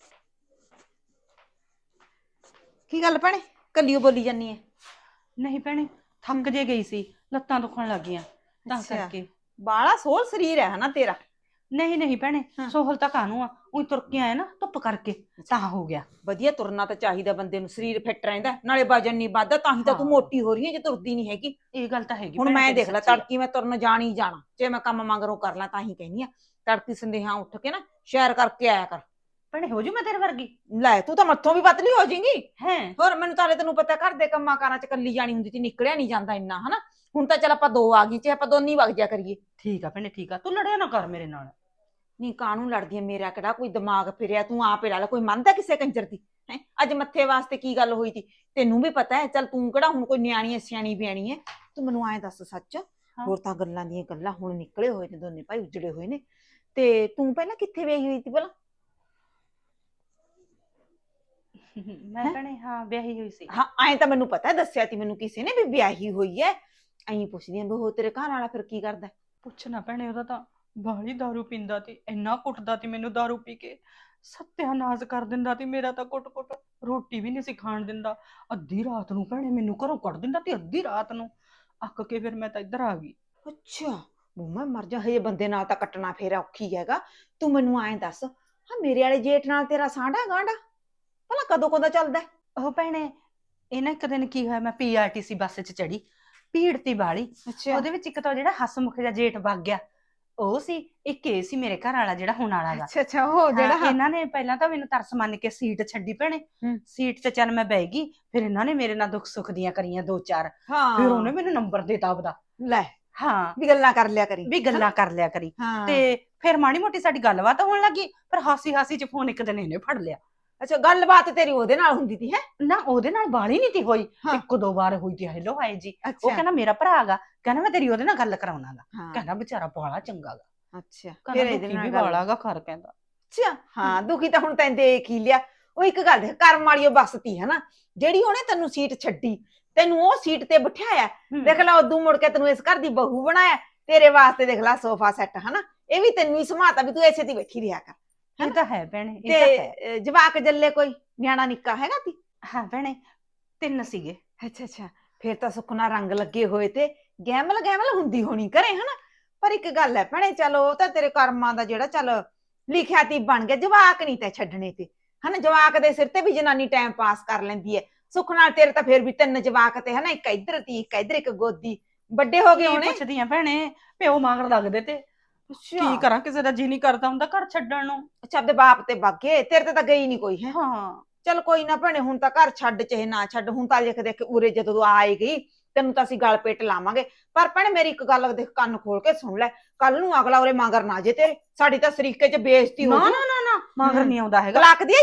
[SPEAKER 2] ਕੀ ਗੱਲ ਭੈਣੇ ਕੱਲੀਓ ਬੋਲੀ ਜਾਨੀ ਐ?
[SPEAKER 5] ਨਹੀਂ ਭੈਣੇ, ਥੱਕ ਜੇ ਗਈ ਸੀ, ਲੱਤਾਂ ਦੁਖਣ ਲੱਗ ਗਈਆਂ ਤਾਂ
[SPEAKER 2] ਅੱਛਾ।
[SPEAKER 5] ਕਰਕੇ।
[SPEAKER 2] ਬਾਲਾ ਸੋਹਲ ਸਰੀਰ ਹੈ ਹਨਾ ਤੇਰਾ।
[SPEAKER 5] ਨਹੀਂ ਨਹੀਂ ਭੈਣੇ,
[SPEAKER 2] ਹਾਂ।
[SPEAKER 5] ਸੋਹਲ ਤਾਂ ਕਾਹਨੂੰ ਆ, ਉਹੀ ਤੁਰ ਕੇ ਆਇਆ ਨਾ ਧੁੱਪ ਕਰਕੇ ਤਾਂ ਹੋ ਗਿਆ।
[SPEAKER 2] ਵਧੀਆ ਤੁਰਨਾ ਤਾਂ ਚਾਹੀਦਾ ਬੰਦੇ ਨੂੰ, ਸਰੀਰ ਫਿੱਟ ਰਹਿੰਦਾ ਨਾਲੇ ਵਜਨ ਨਹੀਂ ਵੱਧਦਾ। ਤਾਂ ਹੀ ਤਾਂ ਤੂੰ
[SPEAKER 5] ਹਾਂ।
[SPEAKER 2] ਮੋਟੀ ਹੋ ਰਹੀ ਹੈ ਜੇ ਤੁਰਦੀ ਨਹੀਂ ਹੈਗੀ।
[SPEAKER 5] ਇਹ ਗੱਲ ਤਾਂ ਹੈਗੀ
[SPEAKER 2] ਹੁਣ
[SPEAKER 5] ਭੈਣੇ,
[SPEAKER 2] ਮੈਂ
[SPEAKER 5] ਤੇਰੀ
[SPEAKER 2] ਦੇਖ ਲੈ
[SPEAKER 5] ਸੱਚੀ ਆ।
[SPEAKER 2] ਤੜਕੀ ਮੈਂ ਤੁਰਨ ਜਾਣ ਹੀ ਜਾਣਾ, ਜੇ ਮੈਂ ਕੰਮ ਮੰਗਰੋਂ ਕਰ ਲਾਂ ਤਾਂ ਹੀ ਕਹਿੰਦੀ ਆ ਤੜਕੀ ਸੰਦੇਹਾਂ ਉੱਠ ਕੇ ਨਾ ਸ਼ੈਰ ਕਰਕੇ ਆਇਆ ਕਰ।
[SPEAKER 5] ਭੈਣੇ ਹੋ ਜੂ ਮੈਂ ਤੇਰੇ ਵਰਗੀ?
[SPEAKER 2] ਲੈ ਤੂੰ ਤਾਂ ਮੱਥੋਂ ਵੀ ਪਤਲੀ ਹੋ ਜਾਏਂਗੀ।
[SPEAKER 5] ਹੈ
[SPEAKER 2] ਹੋਰ ਮੈਨੂੰ ਤਾਂ ਹਲੇ ਤੈਨੂੰ ਪਤਾ ਘਰ ਦੇ ਕੰਮਾਂ ਕਾਰਾਂ ਚ ਕੱਲੀ ਜਾਣੀ ਹੁੰਦੀ ਸੀ, ਨਿਕਲਿਆ ਨਹੀਂ ਜਾਂਦਾ ਇੰਨਾ ਹਨਾ। ਹੁਣ ਤਾਂ ਚੱਲ ਆਪਾਂ ਦੋ ਆ ਗਈ ਤੇ ਆਪਾਂ ਦੋਨੀ ਵਗ ਜਾ ਕਰੀਏ।
[SPEAKER 5] ਠੀਕ ਆ ਭੈਣੇ ਠੀਕ ਆ, ਤੂੰ ਲੜਿਆ ਨਾ ਕਰ ਮੇਰੇ ਨਾਲ।
[SPEAKER 2] ਨਹੀਂ ਕਾਹਨੂੰ ਲੜਦੀ ਐ, ਮੇਰਾ ਕਿਹੜਾ ਕੋਈ ਦਿਮਾਗ ਫਿਰਿਆ, ਤੂੰ ਆਪੇ ਲਾ ਲੈ। ਕੋਈ ਮੰਨਦਾ ਕਿਸੇ ਕੰਜਰ ਦੀ ਹੈ? ਅੱਜ ਮੱਥੇ ਵਾਸਤੇ ਕੀ ਗੱਲ ਹੋਈ ਤੀ ਤੈਨੂੰ ਵੀ ਪਤਾ ਹੈ। ਚੱਲ ਤੂੰ ਕਿਹੜਾ ਹੁਣ ਕੋਈ ਨਿਆਣੀ ਐ ਸਿਆਣੀ ਬਿਆਣੀ ਐ। ਤੂੰ ਮੈਨੂੰ ਐਂ ਦੱਸ ਸੱਚ, ਹੋਰ ਤਾਂ ਗੱਲਾਂ ਦੀਆਂ ਗੱਲਾਂ ਹੁਣ ਨਿਕਲੇ ਹੋਏ ਨੇ, ਦੋਨੇ ਭਾਈ ਉਜੜੇ ਹੋਏ ਨੇ। ਤੇ ਤੂੰ ਪਹਿਲਾਂ ਕਿੱਥੇ ਵਿਆਹੀ ਹੋਈ ਤੀ ਭਲਾ?
[SPEAKER 5] ਮੈਂ ਭੈਣੇ ਹਾਂ ਵਿਆਹੀ ਹੋਈ ਸੀ।
[SPEAKER 2] ਹਾਂ ਐਂ ਤਾਂ ਮੈਨੂੰ ਪਤਾ, ਦੱਸਿਆ ਤੀ ਮੈਨੂੰ ਕਿਸੇ ਨੇ ਵੀ ਵਿਆਹੀ ਹੋਈ ਐ। ਐਂ ਪੁੱਛਦੀ ਆਂ ਵੀ ਉਹ ਤੇਰੇ ਘਰ ਵਾਲਾ ਫਿਰ ਕੀ ਕਰਦਾ?
[SPEAKER 5] ਪੁੱਛਣਾ ਭੈਣੇ, ਉਹਦਾ ਤਾਂ ਬਾਹਲੀ ਦਾਰੂ ਪੀਂਦਾ ਤੀ, ਇੰਨਾ ਕੁੱਟਦਾ ਤੀ ਮੈਨੂੰ ਦਾਰੂ ਪੀ ਕੇ, ਸੱਤਿਆਨਾਸ਼ ਕਰ ਦਿੰਦਾ ਤੀ ਮੇਰਾ ਤਾਂ। ਕੁੱਟ ਕੁੱਟ ਰੋਟੀ ਵੀ ਨਹੀਂ ਸੀ ਖਾਣ ਦਿੰਦਾ। ਅੱਧੀ ਰਾਤ ਨੂੰ ਭੈਣੇ ਮੈਨੂੰ ਘਰੋਂ ਕੱਢ ਦਿੰਦਾ ਤੇ ਅੱਧੀ ਰਾਤ ਨੂੰ ਅੱਕ ਕੇ ਫਿਰ ਮੈਂ ਤਾਂ ਇੱਧਰ ਆ ਗਈ।
[SPEAKER 2] ਅੱਛਾ ਉਹ ਮੈਂ ਮਰ ਜਾ, ਹਜੇ ਬੰਦੇ ਨਾਲ ਤਾਂ ਕੱਟਣਾ ਫੇਰਾ ਔਖੀ ਹੈਗਾ। ਤੂੰ ਮੈਨੂੰ ਐਂ ਦੱਸ, ਹਾਂ ਮੇਰੇ ਵਾਲੇ ਜੇਠ ਨਾਲ ਤੇਰਾ ਸਾਂਢਾ ਗਾਂਢਾ ਭਲਾ ਕਦੋਂ ਕਦੋਂ ਚੱਲਦਾ?
[SPEAKER 5] ਉਹ ਭੈਣੇ ਇਹ ਨਾ ਇੱਕ ਦਿਨ ਕੀ ਹੋਇਆ, ਮੈਂ ਪੀ ਆਰ ਟੀ ਸੀ ਬੱਸ 'ਚ ਚੜੀ, ਭੀੜ ਤੀ ਬਾਲੀ।
[SPEAKER 2] ਅੱਛਾ
[SPEAKER 5] ਉਹਦੇ ਵਿੱਚ ਇੱਕ ਤਾਂ ਜਿਹੜਾ ਹਸਮੁਖ ਜਿਹਾ ਜੇਠ ਵਗ ਗਿਆ ਉਹ ਸੀ, ਇੱਕ ਇਹ ਸੀ ਮੇਰੇ ਘਰ ਵਾਲਾ ਜਿਹੜਾ ਹੁਣ ਵਾਲਾ ਗਾ।
[SPEAKER 2] ਅੱਛਾ ਅੱਛਾ ਉਹ ਜਿਹੜਾ
[SPEAKER 5] ਹਾਂ, ਇਹਨਾਂ ਨੇ ਪਹਿਲਾਂ ਤਾਂ ਮੈਨੂੰ ਤਰਸ ਮੰਨ ਕੇ ਸੀਟ ਛੱਡੀ ਭੈਣੇ।
[SPEAKER 2] ਹੂੰ।
[SPEAKER 5] ਸੀਟ 'ਚ ਚੱਲ ਮੈਂ ਬਹਿ ਗਈ, ਫਿਰ ਇਹਨਾਂ ਨੇ ਮੇਰੇ ਨਾਲ ਦੁੱਖ ਸੁੱਖ ਦੀਆਂ ਕਰੀਆਂ ਦੋ ਚਾਰ।
[SPEAKER 2] ਹਾਂ
[SPEAKER 5] ਫਿਰ ਉਹਨੇ ਮੈਨੂੰ ਨੰਬਰ ਦੇਤਾ ਆਪਦਾ।
[SPEAKER 2] ਲੈ
[SPEAKER 5] ਹਾਂ
[SPEAKER 2] ਵੀ ਗੱਲਾਂ ਕਰ ਲਿਆ ਕਰੀ
[SPEAKER 5] ਵੀ ਗੱਲਾਂ ਕਰ ਲਿਆ ਕਰੀ।
[SPEAKER 2] ਹਾਂ
[SPEAKER 5] ਤੇ ਫਿਰ ਮਾੜੀ ਮੋਟੀ ਸਾਡੀ ਗੱਲਬਾਤ ਹੋਣ ਲੱਗੀ, ਪਰ ਹਾਸੀ ਹਾਸੀ 'ਚ ਫੋਨ ਇੱਕ ਦਿਨ ਇਹਨੇ ਫੜ ਲਿਆ।
[SPEAKER 2] ਅੱਛਾ ਗੱਲਬਾਤ ਤੇਰੀ ਉਹਦੇ ਨਾਲ ਹੁੰਦੀ ਤੀ ਹੈ?
[SPEAKER 5] ਨਾ ਉਹਦੇ ਨਾਲ ਬਾਲੀ ਨਹੀਂ ਤੀ ਹੋਈ,
[SPEAKER 2] ਹਾਂ।
[SPEAKER 5] ਇੱਕ ਦੋ ਵਾਰ ਹੋਈ ਤੀ ਹੈਲੋ ਹਾਏ ਜੀ। ਉਹ
[SPEAKER 2] ਅੱਛਾ
[SPEAKER 5] ਕਹਿੰਦਾ ਮੇਰਾ ਭਰਾ ਗਾ, ਕਹਿੰਦਾ ਮੈਂ ਤੇਰੀ ਉਹਦੇ ਨਾਲ ਗੱਲ ਕਰਾਉਣਾਗਾ।
[SPEAKER 2] ਹਾਂ
[SPEAKER 5] ਕਹਿੰਦਾ ਵਿਚਾਰਾ ਬਾਲਾ ਚੰਗਾ ਗਾ,
[SPEAKER 2] ਅੱਛਾ ਫਿਰ
[SPEAKER 5] ਕਹਿੰਦਾ
[SPEAKER 2] ਇਹਦੇ
[SPEAKER 5] ਦੁਖੀ
[SPEAKER 2] ਨਾਲ
[SPEAKER 5] ਵੀ
[SPEAKER 2] ਗੱਲ
[SPEAKER 5] ਬਾਲਾ ਗਾ ਘਰ ਕਹਿੰਦਾ।
[SPEAKER 2] ਅੱਛਾ ਹਾਂ ਦੁਖੀ ਤਾਂ ਹੁਣ ਤੈਨੂੰ ਦੇਖ ਹੀ ਲਿਆ। ਉਹ ਇੱਕ ਗੱਲ ਹੈ, ਕਰਮ ਵਾਲੀ ਉਹ ਬਸਤੀ ਹੈ ਨਾ ਜਿਹੜੀ ਉਹਨੇ ਤੈਨੂੰ ਸੀਟ ਛੱਡੀ, ਤੈਨੂੰ ਉਹ ਸੀਟ ਤੇ ਬਿਠਾਇਆ। ਦੇਖ ਲੈ ਉਦੋਂ ਮੁੜ ਕੇ ਤੈਨੂੰ ਇਸ ਘਰ ਦੀ ਬਹੂ ਬਣਾਇਆ, ਤੇਰੇ ਵਾਸਤੇ ਦੇਖ ਲੈ ਸੋਫਾ ਸੈੱਟ ਹਨਾ। ਇਹ ਵੀ ਤੈਨੂੰ ਹੀ ਸਮਾਤਾ ਵੀ ਤੂੰ ਇਸੇ ਦੀ ਬੈਠੀ ਰਿਹਾ ਕਰ।
[SPEAKER 5] ਇਹ ਤਾਂ ਹੈ ਭੈਣੇ, ਇਹ ਤਾਂ ਹੈ।
[SPEAKER 2] ਤੇ ਜਵਾਕ ਜੱਲੇ ਕੋਈ ਨਿਆਣਾ ਨਿੱਕਾ ਹੈਗਾ ਤੀ?
[SPEAKER 5] ਹਾਂ ਭੈਣੇ ਤਿੰਨ ਸੀਗੇ।
[SPEAKER 2] ਅੱਛਾ ਅੱਛਾ ਫਿਰ ਤਾਂ ਸੁਖਨਾ ਰੰਗ ਲੱਗੇ ਹੋਏ ਤੇ ਗੈਮਲ ਗੈਮਲ ਹੁੰਦੀ ਹੋਣੀ ਘਰੇ ਹਨਾ। ਪਰ ਇੱਕ ਗੱਲ ਹੈ ਭੈਣੇ, ਚਲੋ ਉਹ ਤਾਂ ਤੇਰੇ ਕਰਮਾਂ ਦਾ ਜਿਹੜਾ ਚੱਲ ਲਿਖਿਆ ਤੀ ਬਣ ਗਿਆ। ਜਵਾਕ ਨਹੀਂ ਤੇ ਛੱਡਣੇ ਤੇ ਹਨਾ, ਜਵਾਕ ਦੇ ਸਿਰ ਤੇ ਵੀ ਜਨਾਨੀ ਟਾਈਮ ਪਾਸ ਕਰ ਲੈਂਦੀ ਹੈ। ਸੁੱਖ ਨਾਲ ਤੇਰੇ ਤਾਂ ਫਿਰ ਵੀ ਤਿੰਨ ਜਵਾਕ ਤੇ ਹਨਾ, ਇੱਕ ਇੱਧਰ ਤੀ ਇੱਕ ਇੱਧਰ ਇੱਕ ਗੋਦੀ, ਵੱਡੇ ਹੋ ਗਏ ਹੋਣੇ।
[SPEAKER 5] ਪੁੱਛਦੀ ਆ ਭੈਣੇ, ਪਿਓ ਮਗਰ ਲੱਗਦੇ ਤੇ ਕੀ ਕਰਾਂ, ਕਿਸੇ ਦਾ ਜੀ ਨਹੀਂ ਕਰਦਾ ਹੁੰਦਾ ਘਰ ਛੱਡਣ ਨੂੰ।
[SPEAKER 2] ਅੱਛਾ ਆਪਦੇ ਬਾਪ ਤੇ ਬਾਗੇ, ਤੇਰੇ ਤੇ ਤਾਂ ਗਈ ਨਹੀਂ ਕੋਈ ਹੈ।
[SPEAKER 5] ਹਾਂ
[SPEAKER 2] ਚੱਲ ਕੋਈ ਨਾ ਭੈਣੇ, ਹੁਣ ਤਾਂ ਘਰ ਛੱਡ ਚਾਹੇ ਨਾ ਛੱਡ, ਹੁਣ ਤਾਂ ਦੇਖ ਦੇਖ ਉਰੇ ਜਦੋਂ ਆਏ ਗਈ ਤੈਨੂੰ ਤਾਂ ਅਸੀਂ ਗਲ ਪੇਟ ਲਾਵਾਂਗੇ। ਪਰ ਭੈਣੇ ਮੇਰੀ ਇੱਕ ਗੱਲ ਦੇਖ, ਕੰਨ ਖੋਲ ਕੇ ਸੁਣ ਲੈ, ਕੱਲ ਨੂੰ ਅਗਲਾ ਉਰੇ ਮਗਰ ਨਾ ਜੇ ਤੇਰੇ, ਸਾਡੀ ਤਾਂ ਸਰੀਕੇ ਚ ਬੇਇੱਜ਼ਤੀ ਹੋ
[SPEAKER 5] ਨਾ
[SPEAKER 2] ਜਾਊ।
[SPEAKER 5] ਨਾ ਨਾ ਨਾ ਮਗਰ ਨਹੀਂ ਆਉਂਦਾ ਹੈਗਾ।
[SPEAKER 2] ਤਲਾਕ ਦੀ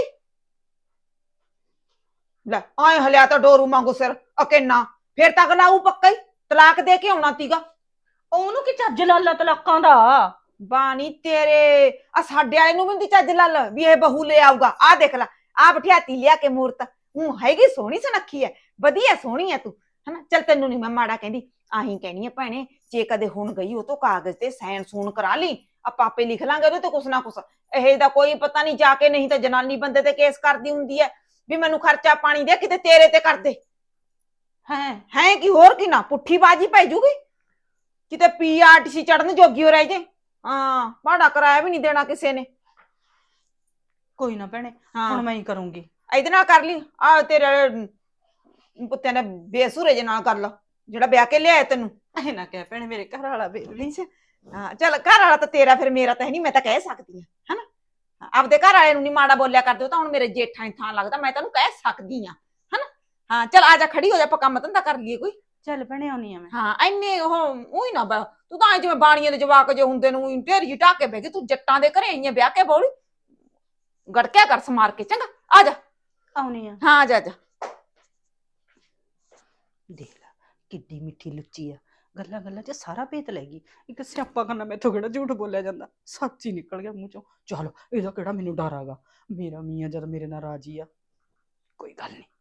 [SPEAKER 2] ਲੈ ਆਏ ਹਲਿਆ ਤਾਂ ਡੋਰੂ ਵਾਂਗੂ ਸਿਰ ਅਕੇਨਾ, ਫਿਰ ਤਾਂ ਅਗਲਾ ਉਹ ਪੱਕਾ ਹੀ ਤਲਾਕ ਦੇ ਕੇ ਆਉਣਾ ਤੀਗਾ।
[SPEAKER 5] ਉਹਨੂੰ ਕੀ ਚੱਜ ਲੱਲਾ ਤਲਾਕਾਂ ਦਾ?
[SPEAKER 2] ਬਾਣੀ ਤੇਰੇ ਆ ਸਾਡੇ ਵਾਲੇ ਨੂੰ ਵੀ ਨੀ ਚੱਜ ਲੱਲ ਵੀ ਇਹ ਬਹੂ ਲੈ ਆਊਗਾ। ਆਹ ਦੇਖ ਲੈ ਆ ਬਿਠਿਆਤੀ ਲਿਆ ਕੇ ਮੂਰਤ, ਉਹ ਹੈਗੀ ਸੋਹਣੀ ਸੁਨੱਖੀ ਹੈ, ਵਧੀਆ ਸੋਹਣੀ ਹੈ ਤੂੰ ਹਨਾ। ਚੱਲ ਤੈਨੂੰ ਨੀ ਮੈਂ ਮਾੜਾ ਕਹਿੰਦੀ, ਆਹੀਂ ਕਹਿਣੀ ਹੈ ਭੈਣੇ, ਜੇ ਕਦੇ ਹੁਣ ਗਈ ਉਹ ਤੋਂ ਕਾਗਜ਼ ਤੇ ਸਾਈਨ ਸੂਨ ਕਰਾ ਲਈ, ਆਪਾਂ ਆਪੇ ਲਿਖ ਲਾਂਗੇ ਉਹਦੇ ਤੇ ਕੁਛ ਨਾ ਕੁਛ। ਇਹ ਦਾ ਕੋਈ ਪਤਾ ਨਹੀਂ ਜਾ ਕੇ, ਨਹੀਂ ਤਾਂ ਜਨਾਨੀ ਬੰਦੇ ਤੇ ਕੇਸ ਕਰਦੀ ਹੁੰਦੀ ਹੈ ਵੀ ਮੈਨੂੰ ਖਰਚਾ ਪਾਣੀ ਦੇ, ਕਿਤੇ ਤੇਰੇ ਤੇ ਕਰ ਦੇ
[SPEAKER 5] ਹੈ
[SPEAKER 2] ਹੈ ਕੀ ਹੋਰ ਕੀ ਨਾ ਪੁੱਠੀ ਬਾਜੀ ਪੈ ਜੂਗੀ, ਕਿਤੇ ਪੀ ਆਰ ਟੀ ਸੀ ਚੜਨ ਜੋਗੀ ਹੋ ਰਹਿ ਜੇ। ਹਾਂ ਭਾੜਾ ਕਰਾਇਆ ਵੀ ਨਹੀਂ ਦੇਣਾ ਕਿਸੇ ਨੇ।
[SPEAKER 5] ਕੋਈ ਨਾ ਭੈਣੇ,
[SPEAKER 2] ਹਾਂ
[SPEAKER 5] ਹੁਣ ਮੈਂ ਹੀ ਕਰੂੰਗੀ।
[SPEAKER 2] ਇਹਦੇ ਨਾਲ ਕਰ ਲਈ, ਆ ਤੇਰੇ ਪੁੱਤਿਆਂ ਨੇ ਬੇਸੁਰੇ ਜੇ ਨਾਲ ਕਰ ਲਾ ਜਿਹੜਾ ਵਿਆਹ ਕੇ ਲਿਆਇਆ ਤੈਨੂੰ।
[SPEAKER 5] ਇਹ ਨਾ ਕਹਿ ਭੈਣੇ ਮੇਰੇ ਘਰ ਵਾਲਾ ਬੇਲੀ।
[SPEAKER 2] ਹਾਂ ਚੱਲ ਘਰ ਵਾਲਾ ਤਾਂ ਤੇਰਾ ਫਿਰ ਮੇਰਾ ਤਾਂ ਹੈ ਨੀ, ਮੈਂ ਤਾਂ ਕਹਿ ਸਕਦੀ ਹਾਂ ਹਨਾ। ਆਪਦੇ ਘਰ ਵਾਲੇ ਨੂੰ ਨੀ ਮਾੜਾ ਬੋਲਿਆ ਕਰਦੇ, ਉਹ ਤਾਂ ਹੁਣ ਮੇਰੇ ਜੇਠਾਂ ਦੀ ਥਾਂ ਲੱਗਦਾ, ਮੈਂ ਤੈਨੂੰ ਕਹਿ ਸਕਦੀ ਹਾਂ ਹਨਾ। ਹਾਂ ਚੱਲ ਆ ਜਾ ਖੜੀ ਹੋ ਜਾ, ਆਪਾਂ ਕੰਮ ਧੰਦਾ ਕਰ ਲਈਏ ਕੋਈ।
[SPEAKER 5] ਚੱਲ ਭੈਣੇ ਆਉਣੀ ਆ ਮੈਂ।
[SPEAKER 2] ਹਾਂ ਇੰਨੇ ਉਹ ਉਹੀ ਨਾ ਬ- ਤੂੰ ਤਾਂ ਜਿਵੇਂ ਬਾਣੀਆਂ ਦੇ ਜਵਾਕ ਜੇ ਹੁੰਦੇ ਨੂੰ ਢੇਰੀ ਢਾਹ ਕੇ ਬਹਿ ਗਈ, ਤੂੰ ਜੱਟਾਂ ਦੇ ਘਰੇ ਆਈਆਂ ਵਿਆਹ ਕੇ ਬੋਲੀ, ਗੜਕਿਆ ਕਰ ਸਮਾਰ ਕੇ, ਚੰਗਾ ਆ ਜਾ।
[SPEAKER 5] ਆਉਣੀ ਆ।
[SPEAKER 2] ਹਾਂ ਆ ਜਾ ਆ ਜਾ।
[SPEAKER 5] ਦੇਖ ਲੈ ਕਿੱਡੀ ਮਿੱਠੀ ਲੁੱਚੀ ਆ, ਗੱਲਾਂ ਗੱਲਾਂ 'ਚ ਸਾਰਾ ਭੇਤ ਲੈ ਗਈ। ਇੱਕ ਸਿਆਪਾ ਕਰਨਾ ਮੈਥੋਂ ਕਿਹੜਾ ਝੂਠ ਬੋਲਿਆ ਜਾਂਦਾ, ਸੱਚ ਹੀ ਨਿਕਲ ਗਿਆ ਮੂੰਹ ਚੋਂ। ਚਲ ਇਹਦਾ ਕਿਹੜਾ ਮੈਨੂੰ ਡਰ ਆਗਾ, ਮੇਰਾ ਮੀਆਂ ਜਦ ਮੇਰੇ ਨਾਲ ਰਾਜੀ ਆ, ਕੋਈ ਗੱਲ ਨਹੀਂ।